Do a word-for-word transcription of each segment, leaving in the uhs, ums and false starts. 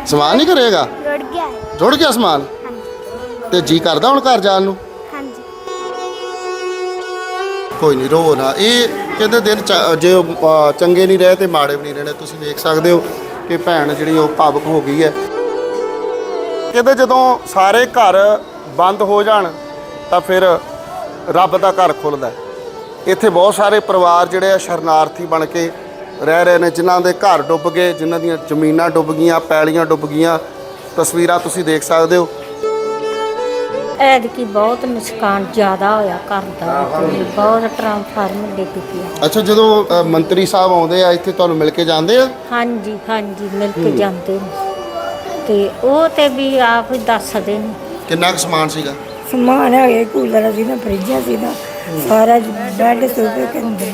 ਸਮਾਨ ਨਹੀਂ ਕਰੇਗਾ, ਰੁੜ ਗਿਆ ਹੈ। ਰੁੜ ਗਿਆ ਸਮਾਨ। ਹਾਂਜੀ ਤੇ ਜੀ ਕਰਦਾ ਹੁਣ ਘਰ ਜਾਣ ਨੂੰ? ਹਾਂਜੀ ਕੋਈ ਨਹੀਂ, ਰੋ ਨਾ। ਇਹ ਕਹਿੰਦੇ ਦਿਨ ਚ- ਜੇ ਉਹ, ਅ, ਚੰਗੇ ਨਹੀਂ ਰਹੇ ਤੇ ਮਾੜੇ ਵੀ ਨਹੀਂ ਰਹਿਣੇ। ਤੁਸੀਂ ਵੇਖ ਸਕਦੇ ਹੋ ਕਿ ਭੈਣ ਜਿਹੜੀ ਉਹ ਭਾਵੁਕ ਹੋ ਗਈ ਹੈ। ਕਹਿੰਦੇ ਜਦੋਂ ਸਾਰੇ ਘਰ ਬੰਦ ਹੋ ਜਾਣ ਤਾਂ ਫਿਰ ਰੱਬ ਦਾ ਘਰ ਖੁੱਲ੍ਹਦਾ। ਇੱਥੇ ਬਹੁਤ ਸਾਰੇ ਪਰਿਵਾਰ ਜਿਹੜੇ ਆ ਸ਼ਰਨਾਰਥੀ ਬਣ ਕੇ ਰਹਿ ਰਹੇ ਨੇ, ਜਿਨ੍ਹਾਂ ਦੇ ਘਰ ਡੁੱਬ ਗਏ, ਜਿਨ੍ਹਾਂ ਦੀਆਂ ਜ਼ਮੀਨਾਂ ਡੁੱਬ ਗਈਆਂ, ਪੈਲੀਆਂ ਡੁੱਬ ਗਈਆਂ। ਤਸਵੀਰਾਂ ਤੁਸੀਂ ਦੇਖ ਸਕਦੇ ਹੋ। ਐਤਕੀ ਬਹੁਤ ਨੁਕਸਾਨ ਜ਼ਿਆਦਾ ਹੋਇਆ ਘਰ ਦਾ, ਤੇ ਬਹੁਤ ਟਰਾਂਸਫਾਰਮਰ ਡਿੱਗ ਪਿਆ। ਅੱਛਾ, ਜਦੋਂ ਅ, ਮੰਤਰੀ ਸਾਹਿਬ ਆਉਂਦੇ ਆ ਇੱਥੇ ਤੁਹਾਨੂੰ ਮਿਲ ਕੇ ਜਾਂਦੇ ਆ? ਹਾਂਜੀ ਹਾਂਜੀ ਮਿਲ ਕੇ ਜਾਂਦੇ ਨੇ, ਤੇ ਉਹ ਤੇ ਵੀ ਆਪ ਹੀ ਦੱਸਦੇ ਨੇ। ਕਿੰਨਾ ਕੁ ਸਮਾਨ ਸੀਗਾ? ਸਮਾਨ ਹੈਗੇ, ਕੂਲਰ ਸੀ ਨਾ, ਫਰਿੱਜਾਂ ਸੀ ਨਾ, ਸਾਰਾ ਬੈੱਡ ਸੋਫੇ ਕੰਦੇ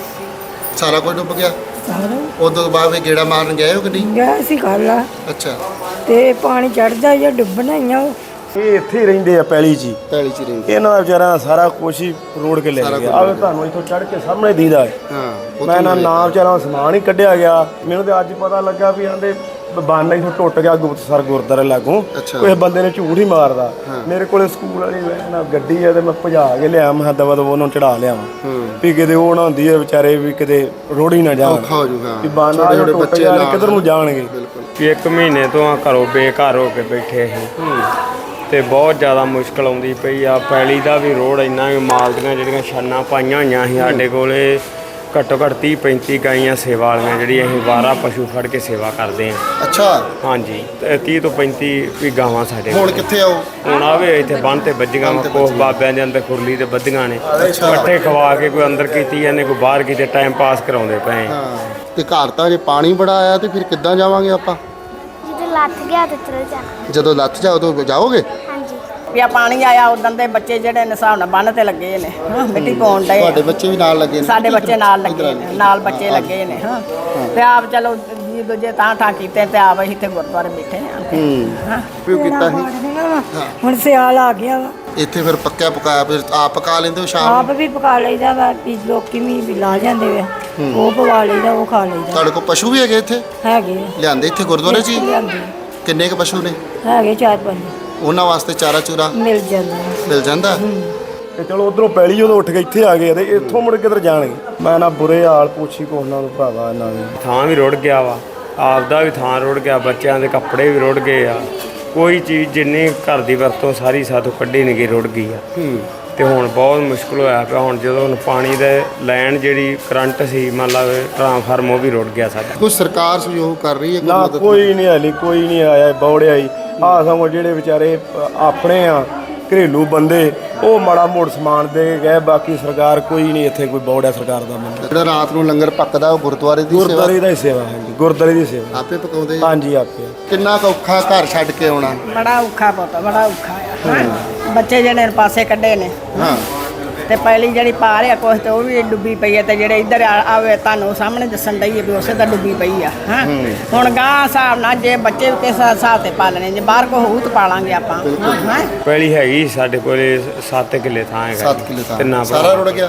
ਸਾਰਾ ਕੁਝ ਡੁੱਬ ਗਿਆ। ਸਾਰਾ ਉਦੋਂ ਤੋਂ ਬਾਅਦ ਵੀ ਗੇੜਾ ਮਾਰਨ ਗਏ ਹੋ ਕਿ ਨਹੀਂ? ਗਿਆ ਸੀ ਖਾਲਾ, ਅੱਛਾ, ਤੇ ਪਾਣੀ ਚੜਦਾ ਜਾਂ ਡੁੱਬਣਾ ਹੀ ਆ। ਇਹ ਇੱਥੇ ਹੀ ਰਹਿੰਦੇ ਆ ਪੈਲੀ 'ਚ ਹੀ। ਪੈਲੀ ਚ ਰਹਿੰਦੇ। ਇਹਨਾਂ ਦਾ ਵਿਚਾਰਾ ਦਾ ਸਾਰਾ ਕੁਛ ਹੀ ਰੋੜ ਕੇ ਲੈ ਸਾਰਾ ਗਿਆ। ਕੁਛ ਆਵੇ ਤੁਹਾਨੂੰ ਇੱਥੋਂ ਚੜ੍ਹ ਕੇ ਸਾਹਮਣੇ ਦੀਦਾ ਹੈ। ਹਾਂ, ਮੈਂ ਨਾ ਨਾ ਵਿਚਾਰਾ ਸਮਾਨ ਹੀ ਕੱਢਿਆ ਗਿਆ। ਮੈਨੂੰ ਤੇ ਅੱਜ ਪਤਾ ਲੱਗਾ ਵੀ ਆਂਦੇ ਬੰਨ ਇੱਥੋਂ ਟੁੱਟ ਗਿਆ ਗੁਪਤਸਰ ਗੁਰਦੁਆਰੇ ਲਾਗੋਂ। ਅੱਛਾ। ਕੋਈ ਬੰਦੇ ਨੇ ਝੂਠ ਹੀ ਮਾਰਦਾ। ਮੇਰੇ ਕੋਲੇ ਸਕੂਲ ਵਾਲੀ ਨਾ ਗੱਡੀ ਆ ਤੇ ਮੈਂ ਭਜਾ ਕੇ ਲਿਆ। ਮੈਂ ਦਵਾ ਦਵਾ ਉਹਨੂੰ ਚੜਾ ਲਿਆ ਵੀ ਕਿਤੇ ਉਹ ਨਾ ਹੁੰਦੀ ਹੈ ਵਿਚਾਰੇ ਵੀ ਕਿਤੇ ਰੋੜੀ ਨਾ ਜਾਣ। ਔਖਾ ਹੋ ਜੂਗਾ ਵੀ ਬੰਨ ਆ ਟੁੱਟ ਬੱਚੇ ਗਿਆ ਨਾਲ ਕਿੱਧਰ ਨੂੰ ਜਾਣਗੇ। ਕਿ ਇੱਕ ਮਹੀਨੇ ਤੋਂ ਆ ਘਰੋਂ ਬੇਘਰ ਹੋ ਕੇ ਬੈਠੇ ਸੀ ਤੇ ਬਹੁਤ ਜ਼ਿਆਦਾ ਮੁਸ਼ਕਲ ਆਉਂਦੀ ਪਈ ਆ। ਪੈਲੀ ਦਾ ਵੀ ਰੋਡ ਇੰਨਾ ਵੀ ਮਾਲ ਦੀਆਂ ਜਿਹੜੀਆਂ ਛਾਨਾਂ ਪਾਈਆਂ ਹੋਈਆਂ ਸੀ ਸਾਡੇ ਕੋਲੇ ਘੱਟੋ ਘੱਟ ਤੀਹ ਪੈਂਤੀ ਗਾਈਆਂ ਸੇਵਾ ਵਾਲੀਆਂ, ਜਿਹੜੀ ਅਸੀਂ ਬਾਰਾਂ ਪਸ਼ੂ ਫੜ ਕੇ ਸੇਵਾ ਕਰਦੇ ਹਾਂ। ਅੱਛਾ, ਹਾਂਜੀ, ਤੇ ਤੀਹ ਤੋਂ ਪੈਂਤੀ ਵੀ ਗਾਵਾਂ ਸਾਡੇ ਹੁਣ ਕੋਲ। ਕਿੱਥੇ ਆਓ? ਹੁਣ ਆਵੇ ਇੱਥੇ ਬੰਨ ਤੇ ਵੱਜੀਆਂ ਵਾ, ਕੋਹ ਬਾਬਿਆਂ ਦੇ ਅੰਦਰ ਖੁਰਲੀ ਤੇ ਵੱਧੀਆਂ ਨੇ। ਪੱਠੇ ਖਵਾ ਕੇ ਕੋਈ ਅੰਦਰ ਕੀਤੀ ਜਾਂਦੇ, ਕੋਈ ਬਾਹਰ ਕੀਤੇ, ਟਾਈਮ ਪਾਸ ਕਰਾਉਂਦੇ ਪਏ। ਹਾਂ, ਤੇ ਘਰ ਤਾਂ ਜੇ ਪਾਣੀ ਬੜਾ ਆਇਆ ਤੇ ਫਿਰ ਕਿੱਦਾਂ ਜਾਵਾਂਗੇ ਆਪਾਂ? ਜਦੋਂ ਲੱਥ ਗਿਆ ਤੇ ਚਲ ਜਾਣਾ। ਜਦੋਂ ਲੱਥ ਜਾ ਉਦੋਂ ਜਾਓਗੇ? ਹਾਂਜੀ ਵੀ ਆ ਪਾਣੀ ਆਇਆ ਉਦੋਂ ਦੇ ਬੱਚੇ ਜਿਹੜੇ ਨੇ ਹਿਸਾਬ ਨਾਲ ਬੰਨ ਤੇ ਲੱਗੇ ਨੇ, ਹਾਂ ਮਿੱਟੀ ਪਾਉਣ ਡਏ। ਤੁਹਾਡੇ ਬੱਚੇ ਵੀ ਨਾਲ ਲੱਗੇ ਨੇ? ਸਾਡੇ ਬੱਚੇ ਨਾਲ ਲੱਗੇ ਨੇ, ਨਾਲ ਬੱਚੇ ਲੱਗੇ ਨੇ। ਹਾਂ ਤੇ ਆਪ ਚਲੋ ਜੀ ਦੂਜੇ ਤਾਂ ਠਾ ਕੀਤੇ ਤੇ ਆਪ ਅਸੀਂ ਇੱਥੇ ਗੁਰਦੁਆਰੇ ਬੈਠੇ ਆ। ਹੂੰ, ਪਿਓ ਕੀਤਾ ਸੀ। ਹੁਣ ਸਿਆਲ ਆ ਗਿਆ ਵਾ, ਇੱਥੇ ਫਿਰ ਪੱਕਿਆ ਪਕਾਇਆ ਫਿਰ ਆਪ ਪਕਾ ਲੈਂਦੇ ਹੋ ਸ਼ਾਮ ਆਪ ਨੂੰ? ਵੀ ਪਕਾ ਲਈਦਾ ਵਾ, ਵੀ ਲੋਕੀ ਵੀ ਵੀ ਲਾ ਜਾਂਦੇ ਵਾ, ਉਹ ਪਵਾ ਲਈਦਾ, ਉਹ ਖਾ ਲਈਦਾ। ਤੁਹਾਡੇ ਕੋਲ ਪਸ਼ੂ ਵੀ ਹੈਗੇ ਇੱਥੇ? ਹੈਗੇ ਆ, ਲਿਆਂਦੇ ਇੱਥੇ ਗੁਰਦੁਆਰੇ 'ਚ ਹੀ? ਲਿਆਂਦੇ ਕਿੰਨੇ ਕੁ ਪਸ਼ੂ ਨੇ? ਹੈਗੇ ਚਾਰ ਪੰਜ, ਉਹਨਾਂ ਵਾਸਤੇ ਚਾਰਾ ਚੂਰਾ ਮਿਲ ਜਾਂਦਾ। ਮਿਲ ਜਾਂਦਾ? ਤੇ ਚਲੋ ਉਧਰੋਂ ਪੈਲੀ ਜਦੋਂ ਉੱਠ ਕੇ ਇੱਥੇ ਆ ਗਏ ਤੇ ਇੱਥੋਂ ਮੁੜ ਕਿੱਧਰ ਜਾਣਗੇ। ਮੈਂ ਨਾ ਬੁਰੇ ਹਾਲ ਪੁੱਛੀ ਕੋ ਉਹਨਾਂ ਨੂੰ ਭਰਾਵਾ ਇਹਨਾਂ ਦੇ। ਥਾਂ ਵੀ ਰੁੜ ਗਿਆ ਵਾ, ਆਪਦਾ ਵੀ ਥਾਂ ਰੁੜ ਗਿਆ, ਬੱਚਿਆਂ ਦੇ ਕੱਪੜੇ ਵੀ ਰੁੜ ਗਏ ਆ। ਕੋਈ ਚੀਜ਼ ਜਿੰਨੀ ਘਰ ਦੀ ਵਰਤੋਂ ਸਾਰੀ ਸਾਥੋਂ ਕੱਢੀ ਨਹੀਂ ਗਈ, ਰੁੜ ਗਈ ਆ। ਤੇ ਹੁਣ ਬਹੁਤ ਮੁਸ਼ਕਲ ਹੋਇਆ ਪਿਆ। ਹੁਣ ਜਦੋਂ ਹੁਣ ਪਾਣੀ ਦੇ ਲਾਈਨ ਜਿਹੜੀ ਕਰੰਟ ਸੀ, ਮੰਨ ਲਾ ਟਰਾਂਸਫਾਰਮ, ਉਹ ਵੀ ਰੁੜ ਗਿਆ ਸਾਡਾ। ਕੋਈ ਸਰਕਾਰ ਸਹਿਯੋਗ ਕਰ ਰਹੀ ਹੈ? ਕੋਈ ਨਾ ਮਦਦ? ਕੋਈ ਨਹੀਂ ਹਾਲੀ, ਕੋਈ ਨਹੀਂ ਆਇਆ ਬੌੜਿਆ ਹੀ। ਆਹ ਸਗੋਂ ਜਿਹੜੇ ਵਿਚਾਰੇ ਆਪਣੇ ਆ ਘਰੇਲੂ ਬੰਦੇ, ਉਹ ਮਾੜਾ ਮੋੜ ਸਮਾਨ ਦੇ ਕੇ ਗਏ। ਬਾਕੀ ਸਰਕਾਰ ਕੋਈ ਨਹੀਂ ਇੱਥੇ, ਕੋਈ ਬੌੜਿਆ ਸਰਕਾਰ ਦਾ ਬੰਦਾ। ਜਿਹੜਾ ਰਾਤ ਨੂੰ ਲੰਗਰ ਪੱਕਦਾ ਉਹ ਗੁਰਦੁਆਰੇ ਦੀ ਸੇਵਾ? ਗੁਰਦੁਆਰੇ ਦਾ ਹੀ ਸੇਵਾ ਹੈ, ਗੁਰਦੁਆਰੇ ਦੀ ਸੇਵਾ ਆਪੇ ਪਕਾਉਂਦੇ? ਹਾਂਜੀ ਆਪੇ। ਕਿੰਨਾ ਕੁ ਔਖਾ ਘਰ ਛੱਡ ਕੇ ਆਉਣਾ? ਬੜਾ ਔਖਾ ਪੁੱਤ, ਬੜਾ ਔਖਾ ਆ। ਹਾਂ ਬੱਚੇ ਜਿਹੜੇ ਪਾਸੇ ਕੱਢੇ ਨੇ, ਹਾਂ, ਤੇ ਪਹਿਲੀ ਜਿਹੜੀ ਪਾ ਰਿਆ ਕੁਛ ਤੇ ਉਹ ਵੀ ਡੁੱਬੀ ਪਈ ਹੈ। ਤੇ ਜਿਹੜੇ ਇੱਧਰ ਆ- ਆਵੇ ਤੁਹਾਨੂੰ ਸਾਹਮਣੇ ਦੱਸਣ ਡਈ ਹੈ ਵੀ ਉਸੇ ਤਾਂ ਡੁੱਬੀ ਪਈ ਆ। ਹਾਂ ਹੁਣ ਗਾਂ ਹਿਸਾਬ ਨਾਲ ਜੇ ਬੱਚੇ ਵੀ ਕਿਸ ਹਿਸਾਬ ਤੇ ਪਾਲਣੇ, ਜੇ ਬਾਹਰ ਕੋ ਹੋਊ ਤਾਂ ਪਾਲਾਂਗੇ ਆਪਾਂ। ਹਾਂ ਪਹਿਲੀ ਹੈਗੀ ਸਾਡੇ ਕੋਲੇ ਸੱਤ ਕਿੱਲੇ ਥਾਂ ਹੈਗਾ। ਸੱਤ ਕਿੱਲੇ ਤਾਂ ਤਿੰਨਾਂ ਸਾਰਾ ਰੁੜ ਗਿਆ?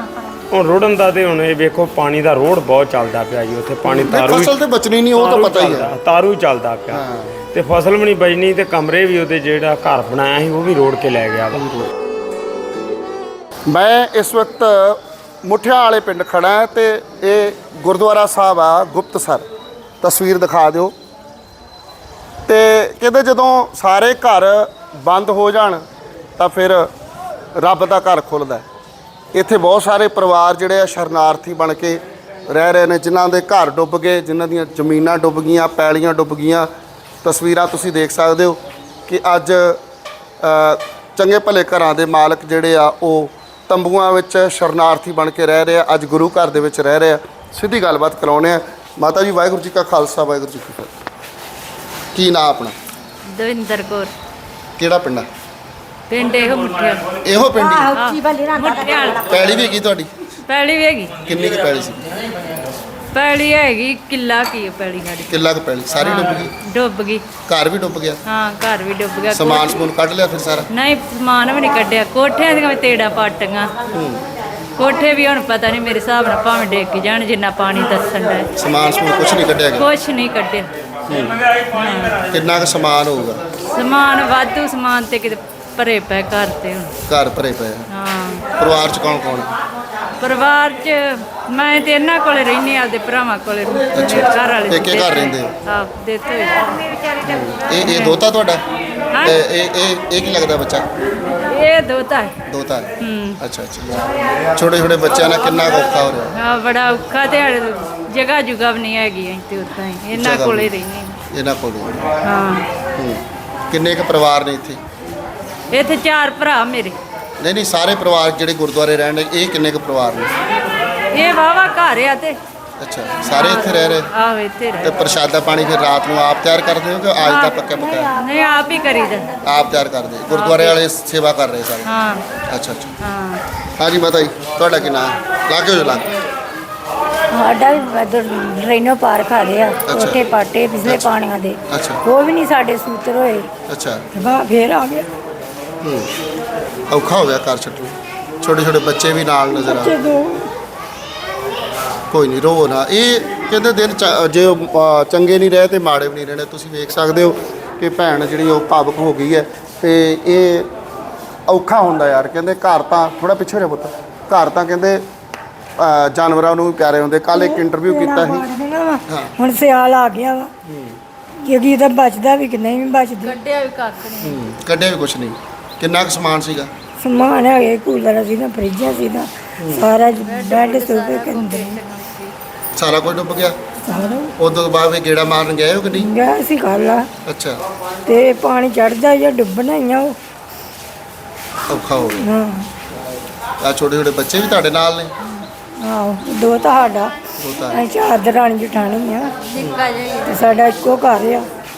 ਹੁਣ ਰੁੜਨ ਦਾ ਤੇ ਹੁਣ ਇਹ ਵੇਖੋ ਪਾਣੀ ਦਾ ਰੋਡ ਬਹੁਤ ਚੱਲਦਾ ਪਿਆ ਜੀ। ਉੱਥੇ ਪਾਣੀ ਤਾਰੂ ਫਸਲ ਤੇ ਬਚਣੀ ਨਹੀਂ, ਉਹ ਤਾਂ ਤਾਰੂ ਪਤਾ ਹੀ ਹੈ। ਚੱਲਦਾ, ਤਾਰੂ ਹੀ ਚੱਲਦਾ ਪਿਆ ਤੇ ਫਸਲ ਵੀ ਨਹੀਂ ਬਚਣੀ। ਤੇ ਕਮਰੇ ਵੀ ਉਹਦੇ ਜਿਹੜਾ ਘਰ ਬਣਾਇਆ ਸੀ ਉਹ ਵੀ ਰੋੜ ਕੇ ਲੈ ਗਿਆ ਵਾ। ਮੈਂ ਇਸ ਵਕਤ ਮੁੱਠਿਆਂ ਵਾਲੇ ਪਿੰਡ ਖੜਾ ਹਾਂ ਤੇ ਇਹ ਗੁਰਦੁਆਰਾ ਸਾਹਿਬ ਆ ਗੁਪਤਸਰ। ਤਸਵੀਰ ਦਿਖਾ ਦਿਓ। ਤੇ ਕਹਿੰਦੇ ਜਦੋਂ ਸਾਰੇ ਘਰ ਬੰਦ ਹੋ ਜਾਣ ਤਾਂ ਫਿਰ ਰੱਬ ਦਾ ਘਰ ਖੁੱਲ੍ਹਦਾ। ਇੱਥੇ ਬਹੁਤ ਸਾਰੇ ਪਰਿਵਾਰ ਜਿਹੜੇ ਆ ਸ਼ਰਨਾਰਥੀ ਬਣ ਕੇ ਰਹਿ ਰਹੇ ਨੇ, ਜਿਨ੍ਹਾਂ ਦੇ ਘਰ ਡੁੱਬ ਗਏ, ਜਿਨ੍ਹਾਂ ਦੀਆਂ ਜ਼ਮੀਨਾਂ ਡੁੱਬ ਗਈਆਂ, ਪੈਲੀਆਂ ਡੁੱਬ ਗਈਆਂ। ਤਸਵੀਰਾਂ ਤੁਸੀਂ ਦੇਖ ਸਕਦੇ ਹੋ ਕਿ ਅੱਜ ਚੰਗੇ ਭਲੇ ਘਰਾਂ ਦੇ ਮਾਲਕ ਜਿਹੜੇ ਆ ਉਹ ਤੰਬੂਆਂ ਵਿੱਚ ਸ਼ਰਨਾਰਥੀ ਬਣ ਕੇ ਰਹਿ ਰਹੇ ਆ, ਅੱਜ ਗੁਰੂ ਘਰ ਦੇ ਵਿੱਚ ਰਹਿ ਰਹੇ ਆ। ਸਿੱਧੀ ਗੱਲਬਾਤ ਕਰਾਉਂਦੇ ਆ। ਮਾਤਾ ਜੀ ਵਾਹਿਗੁਰੂ ਜੀ ਕਾ ਖਾਲਸਾ, ਵਾਹਿਗੁਰੂ ਜੀ ਕੀ ਫਤਿਹ। ਕੀ ਨਾਂ ਆਪਣਾ? ਦਵਿੰਦਰ ਕੌਰ। ਕਿਹੜਾ ਪਿੰਡ ਆ? ਪਿੰਡ ਇਹੋ ਮੁੱਠਿਆ। ਇਹੋ ਪਿੰਡ ਹੀ? ਮੁੱਠਿਆ ਪੈਲੀ ਵੀ ਹੈਗੀ ਤੁਹਾਡੀ? ਪੈਲੀ ਵੀ ਹੈਗੀ। ਕਿੰਨੀ ਕੁ ਪੈਲੀ ਸੀ? ਪੈਲੀ ਹੈਗੀ ਕਿੱਲਾ ਕੀ ਪੈਲੀ ਸਾਡੀ। ਕਿੱਲਾ ਕੁ ਪੈਲੀ ਸਾਰੀ ਡੁੱਬ ਗਈ? ਡੁੱਬ ਗਈ। ਘਰ ਵੀ ਡੁੱਬ ਗਿਆ? ਹਾਂ ਘਰ ਵੀ ਡੁੱਬ ਗਿਆ। ਸਮਾਨ ਸਮੂਨ ਕੱਢ ਲਿਆ ਫਿਰ ਸਾਰਾ? ਨਹੀਂ ਸਮਾਨ ਵੀ ਨਹੀਂ ਕੱਢਿਆ। ਕੋਠਿਆਂ ਦੀਆਂ ਵੀ ਤੇੜਾ ਪਾਟੀਆਂ। ਕੋਠੇ ਵੀ ਹੁਣ ਪਤਾ ਨਹੀਂ, ਮੇਰੇ ਹਿਸਾਬ ਨਾਲ ਭਾਵੇਂ ਡਿੱਗ ਜਾਣ ਜਿੰਨਾ ਪਾਣੀ ਦੱਸਣ ਦਾ। ਸਮਾਨ ਸਮੂਨ ਕੁਛ ਨਹੀਂ ਕੱਢਿਆ ਗਿਆ? ਕੁਛ ਨਹੀਂ ਕੱਢਿਆ। ਕਿੰਨਾ ਕੁ ਸਮਾਨ ਹੋਊਗਾ? ਸਮਾਨ ਵਾਧੂ ਸਮਾਨ ਤੇ ਕਿਤੇ ਭਰੇ ਪਏ ਘਰ ਤੇ ਹੁਣ। ਘਰ ਭਰੇ ਪਏ ਆ। ਹਾਂ ਪਰਿਵਾਰ ਚ ਕੌਣ ਕੌਣ? ਪਰਿਵਾਰ 'ਚ ਮੈਂ ਤੇ ਇਹਨਾਂ ਕੋਲੇ ਰਹਿੰਦੀ ਆਪਦੇ ਭਰਾਵਾਂ ਕੋਲੇ ਘਰ ਵਾਲੇ ਪੇਕੇ ਘਰ ਰਹਿੰਦੇ ਹੋ? ਹਾਂ ਦਿੱਤੇ ਹੋਏ। ਇਹ ਇਹ ਦੋਤਾ ਤੁਹਾਡਾ? ਹਾਂ। ਤੇ ਇਹ ਇਹ ਇਹ ਕੀ ਲੱਗਦਾ ਬੱਚਾ? ਇਹ ਦੋਤਾ ਹੈ। ਦੋਤਾ ਹੈ। ਹੂੰ। ਅੱਛਾ ਅੱਛਾ। ਛੋਟੇ ਛੋਟੇ ਬੱਚਿਆਂ ਨਾਲ ਕਿੰਨਾ ਕੁ ਔਖਾ ਹੋ ਰਿਹਾ? ਹਾਂ ਬੜਾ ਔਖਾ ਤੇ ਹਾਲੇ ਜਗ੍ਹਾ ਜੁਗਾ ਵੀ ਨਹੀਂ ਹੈਗੀ ਅਸੀਂ ਤੇ ਉਦਾਂ ਹੀ ਇਹਨਾਂ ਜਗ੍ਹਾ ਕੋਲੇ ਵੀ ਰਹਿੰਦੇ ਇਹਨਾਂ ਕੋਲ ਹੀ। ਹਾਂ। ਹੂੰ। ਕਿੰਨੇ ਕੁ ਪਰਿਵਾਰ ਨੇ ਇੱਥੇ? ਇੱਥੇ ਚਾਰ ਭਰਾ ਮੇਰੇ। ਨਹੀਂ ਨਹੀਂ, ਸਾਰੇ ਪਰਿਵਾਰ ਜਿਹੜੇ ਗੁਰਦੁਆਰੇ ਰਹਿਣ ਦੇ, ਇਹ ਕਿੰਨੇ ਕੁ ਪਰਿਵਾਰ ਨੇ? ਇਹ ਵਾਵਾ ਘਰ ਆ ਤੇ ਅੱਛਾ, ਸਾਰੇ ਇੱਥੇ ਰਹਿ ਰਹੇ? ਆਹੋ ਇੱਥੇ ਤੇ ਰਹਿ ਪ੍ਰਸ਼ਾਦਾ ਪਾਣੀ ਫਿਰ ਰਾਤ ਨੂੰ ਆਪ ਤਿਆਰ ਕਰਦੇ ਹੋ ਕਿ ਅੱਜ ਦਾ ਪੱਕਾ ਪੱਕਾ? ਨਹੀਂ ਆਪ ਹੀ ਕਰੀਦਾ। ਆਪ ਤਿਆਰ ਕਰਦੇ? ਗੁਰਦੁਆਰੇ ਵਾਲੇ ਸੇਵਾ ਕਰ ਰਹੇ ਸਾਰੇ? ਹਾਂ ਅੱਛਾ ਅੱਛਾ। ਹਾਂ। ਹਾਂਜੀ ਮਾਤਾ ਜੀ, ਤੁਹਾਡਾ ਕੀ ਨਾਮ? ਲਾਗੇ ਹੋ ਜੋ ਲਾਗੇ। ਸਾਡਾ ਵੀ ਇੱਧਰ ਰੇਨੋ ਪਾਰ ਖਾ ਲਿਆ ਕੋਠੇ ਪਾਟੇ ਪਿਛਲੇ ਪਾਣੀਆਂ ਦੇ। ਅੱਛਾ। ਉਹ ਵੀ ਨਹੀਂ ਸਾਡੇ ਸੂਤਰ ਹੋਏ। ਅੱਛਾ। ਵਾ ਫੇਰ ਆ ਗਏ ਹੂੰ। ਔਖਾ ਹੋ ਗਿਆ ਘਰ ਛੱਡਣਾ। ਛੋਟੇ ਛੋਟੇ ਬੱਚੇ ਵੀ ਨਾਲ ਨਜ਼ਰ ਆ। ਜਦੋਂ ਕੋਈ ਨਹੀਂ, ਰੋਵੋ ਨਾ। ਇਹ ਕਹਿੰਦੇ ਦਿਨ ਚ- ਜੇ ਅ, ਚੰਗੇ ਨਹੀਂ ਰਹੇ ਤੇ ਮਾੜੇ ਵੀ ਨਹੀਂ ਰਹਿਣੇ। ਤੁਸੀਂ ਵੇਖ ਸਕਦੇ ਹੋ ਕਿ ਭੈਣ ਜਿਹੜੀ ਉਹ ਭਾਵੁਕ ਹੋ ਗਈ ਹੈ ਤੇ ਇਹ ਔਖਾ ਹੁੰਦਾ ਯਾਰ। ਕਹਿੰਦੇ ਘਰ ਤਾਂ ਥੋੜਾ ਪਿੱਛੇ ਰਿਹਾ ਪੁੱਤ, ਘਰ ਤਾਂ ਕਹਿੰਦੇ ਅ, ਜਾਨਵਰਾਂ ਨੂੰ ਵੀ ਪਿਆਰੇ ਹੁੰਦੇ। ਕੱਲ ਇੱਕ ਇੰਟਰਵਿਊ ਕੀਤਾ ਸੀ। ਹਾਂ। ਹੁਣ ਸਿਆਲ ਆ ਗਿਆ ਵਾ ਕਿਉਂਕਿ ਇਹਦਾ ਬਚਦਾ ਵੀ ਕਿ ਨਹੀਂ ਵੀ ਬਚਦਾ। ਕੱਢਿਆ ਵੀ ਕੱਖ ਨਹੀਂ। ਹੂੰ। ਕੱਢਿਆ ਵੀ ਕੁਛ ਨਹੀਂ। ਕਿੰਨਾ ਕੁ ਸਮਾਨ ਸੀਗਾ? ਸਮਾਨ ਹੈਗੇ ਕੂਲਰ ਸੀ ਨਾ ਫਰਿੱਜਾਂ ਸੀ ਨਾ ਸਾਰਾ ਬੈੱਡ ਸੋਫੇ ਕੰਦੇ ਸਾਰਾ ਕੁਝ ਡੁੱਬ ਗਿਆ? ਸਾਰਾ ਉਦੋਂ ਤੋਂ ਬਾਅਦ ਵੀ ਗੇੜਾ ਮਾਰਨ ਗਏ ਹੋ ਕਿ ਨਹੀਂ? ਗਿਆ ਸੀ ਖਾਲਾ ਅੱਛਾ। ਤੇ ਪਾਣੀ ਚੜਦਾ ਜਾਂ ਡੁੱਬਣਾ ਹੀ ਆ ਉਹ। ਔਖਾ ਹੋ ਗਿਆ। ਹਾਂ ਆ ਛੋਟੇ ਛੋਟੇ ਬੱਚੇ ਵੀ ਤੁਹਾਡੇ ਨਾਲ ਨੇ? ਆਹੋ ਦੋ ਤਾਂ ਸਾਡਾ ਦੋ ਤਾਂ ਅਸੀਂ ਚਾਰ ਦਰਾਣੀ ਜਠਾਣੀ ਆ ਨਿੱਕਾ ਜਿਹਾ ਤੇ ਸਾਡਾ ਇੱਕੋ ਘਰ ਆ।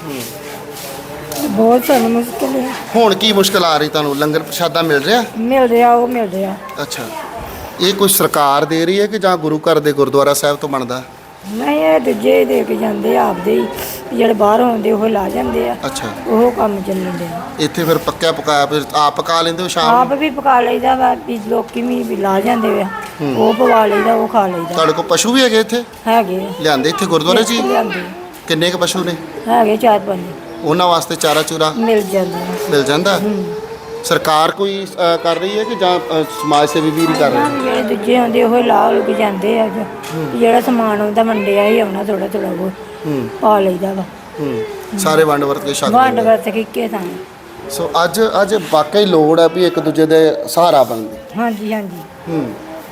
ਤੇ ਬਹੁਤ ਸਾਨੂੰ ਮੁਸ਼ਕਿਲ ਹੈ। ਹੁਣ ਕੀ ਮੁਸ਼ਕਲ ਆ ਰਹੀ ਤੁਹਾਨੂੰ? ਲੰਗਰ ਪ੍ਰਸ਼ਾਦਾ ਮਿਲ ਰਿਹਾ? ਮਿਲ ਰਿਹਾ ਉਹ ਮਿਲ ਰਿਹਾ। ਅੱਛਾ। ਇਹ ਕੋਈ ਸਰਕਾਰ ਦੇ ਰਹੀ ਹੈ ਕਿ ਜਾਂ ਗੁਰੂ ਘਰ ਦੇ ਗੁਰਦੁਆਰਾ ਸਾਹਿਬ ਤੋਂ ਬਣਦਾ? ਨਹੀਂ ਇਹ ਦੂਜੇ ਦੇ ਕੇ ਜਾਂਦੇ ਆ ਆਪਦੇ ਹੀ ਜਿਹੜੇ ਬਾਹਰ ਆਉਂਦੇ ਉਹ ਲਾ ਜਾਂਦੇ ਆ। ਅੱਛਾ। ਉਹ ਕੰਮ ਚੱਲਣ ਦੇ ਇੱਥੇ ਫਿਰ ਪੱਕਿਆ ਪਕਾਇਆ ਫਿਰ ਆਪ ਪਕਾ ਲੈਂਦੇ ਹੋ ਸ਼ਾਮ ਆਪ ਨੂੰ? ਵੀ ਪਕਾ ਲਈਦਾ ਵਾ ਵੀ ਲੋਕੀ ਵੀ ਵੀ ਲਾ ਜਾਂਦੇ ਆ ਉਹ ਪਵਾ ਲਈਦਾ ਉਹ ਖਾ ਲਈਦਾ। ਤੁਹਾਡੇ ਕੋਲ ਪਸ਼ੂ ਵੀ ਹੈਗੇ ਇੱਥੇ? ਹੈਗੇ ਆ। ਲਿਆਂਦੇ ਇੱਥੇ ਗੁਰਦੁਆਰੇ 'ਚ ਹੀ? ਲਿਆਂਦੇ ਆ। ਕਿੰਨੇ ਕੁ ਪਸ਼ੂ ਨੇ? ਹੈਗੇ ਚਾਰ ਪੰਜ ਉਹਨਾਂ ਵਾਸਤੇ ਚਾਰਾ ਚੂਰਾ ਮਿਲ ਜਾਂਦਾ। ਮਿਲ ਜਾਂਦਾ? ਸਰਕਾਰ ਕੋਈ ਅ, ਕਰ ਰਹੀ ਹੈ ਕਿ ਜਾਂ ਅ, ਸਮਾਜ ਸੇਵੀ ਵੀਰ ਹੀ ਕਰ ਰਹੇ ਨੇ? ਜਿਹੜੇ ਦੂਜੇ ਆਉਂਦੇ ਉਹ ਲਾ ਲੁਕ ਜਾਂਦੇ ਆ ਜੋ ਜਿਹੜਾ ਸਮਾਨ ਆਉਂਦਾ ਮੰਡਿਆ ਹੀ ਆਉਣਾ ਥੋੜਾ ਥੋੜਾ ਉਹ ਹੂੰ ਪਾ ਲਈਦਾ ਵਾ। ਹੂੰ। ਸਾਰੇ ਵੰਡ ਵਰਤ ਕੇ ਛਕ ਵੰਡ ਲੈਂਦੇ। ਵਰਤ ਕੇ ਇੱਕੇ ਥਾਂ। ਸੋ ਅੱਜ ਅੱਜ ਵਾਕਈ ਲੋੜ ਹੈ ਵੀ ਇੱਕ ਦੂਜੇ ਦੇ ਸਹਾਰਾ ਬਣਦੇ। ਹਾਂਜੀ ਹਾਂਜੀ ਹੂੰ।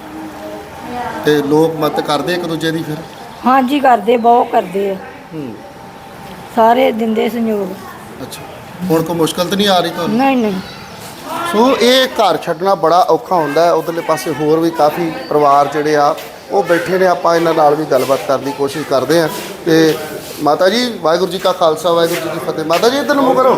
ਤੇ ਲੋਕ ਮਤ ਕਰਦੇ ਇੱਕ ਦੂਜੇ ਦੀ ਫਿਰ? ਹਾਂਜੀ ਕਰਦੇ ਬਹੁਤ ਕਰਦੇ ਆ। ਹੂੰ। ਸਾਰੇ ਦਿੰਦੇ ਸੰਯੋਗ। ਅੱਛਾ। ਹੁਣ ਕੋਈ ਮੁਸ਼ਕਲ ਤਾਂ ਨਹੀਂ ਆ ਰਹੀ ਤੁਹਾਨੂੰ? ਨਹੀਂ ਨਹੀਂ ਸੋ ਇਹ ਘਰ ਛੱਡਣਾ ਬੜਾ ਔਖਾ ਹੁੰਦਾ ਹੈ। ਉਧਰਲੇ ਪਾਸੇ ਹੋਰ ਵੀ ਕਾਫੀ ਪਰਿਵਾਰ ਜਿਹੜੇ ਆ ਉਹ ਬੈਠੇ ਨੇ। ਆਪਾਂ ਇਹਨਾਂ ਨਾਲ ਵੀ ਗੱਲਬਾਤ ਕਰਨ ਦੀ ਕੋਸ਼ਿਸ਼ ਕਰਦੇ ਹਾਂ। ਤੇ ਮਾਤਾ ਜੀ, ਵਾਹਿਗੁਰੂ ਜੀ ਕਾ ਖਾਲਸਾ ਵਾਹਿਗੁਰੂ ਜੀ ਕੀ ਫਤਿਹ। ਮਾਤਾ ਜੀ ਇੱਧਰ ਨੂੰ ਮੂੰਹ ਕਰੋ।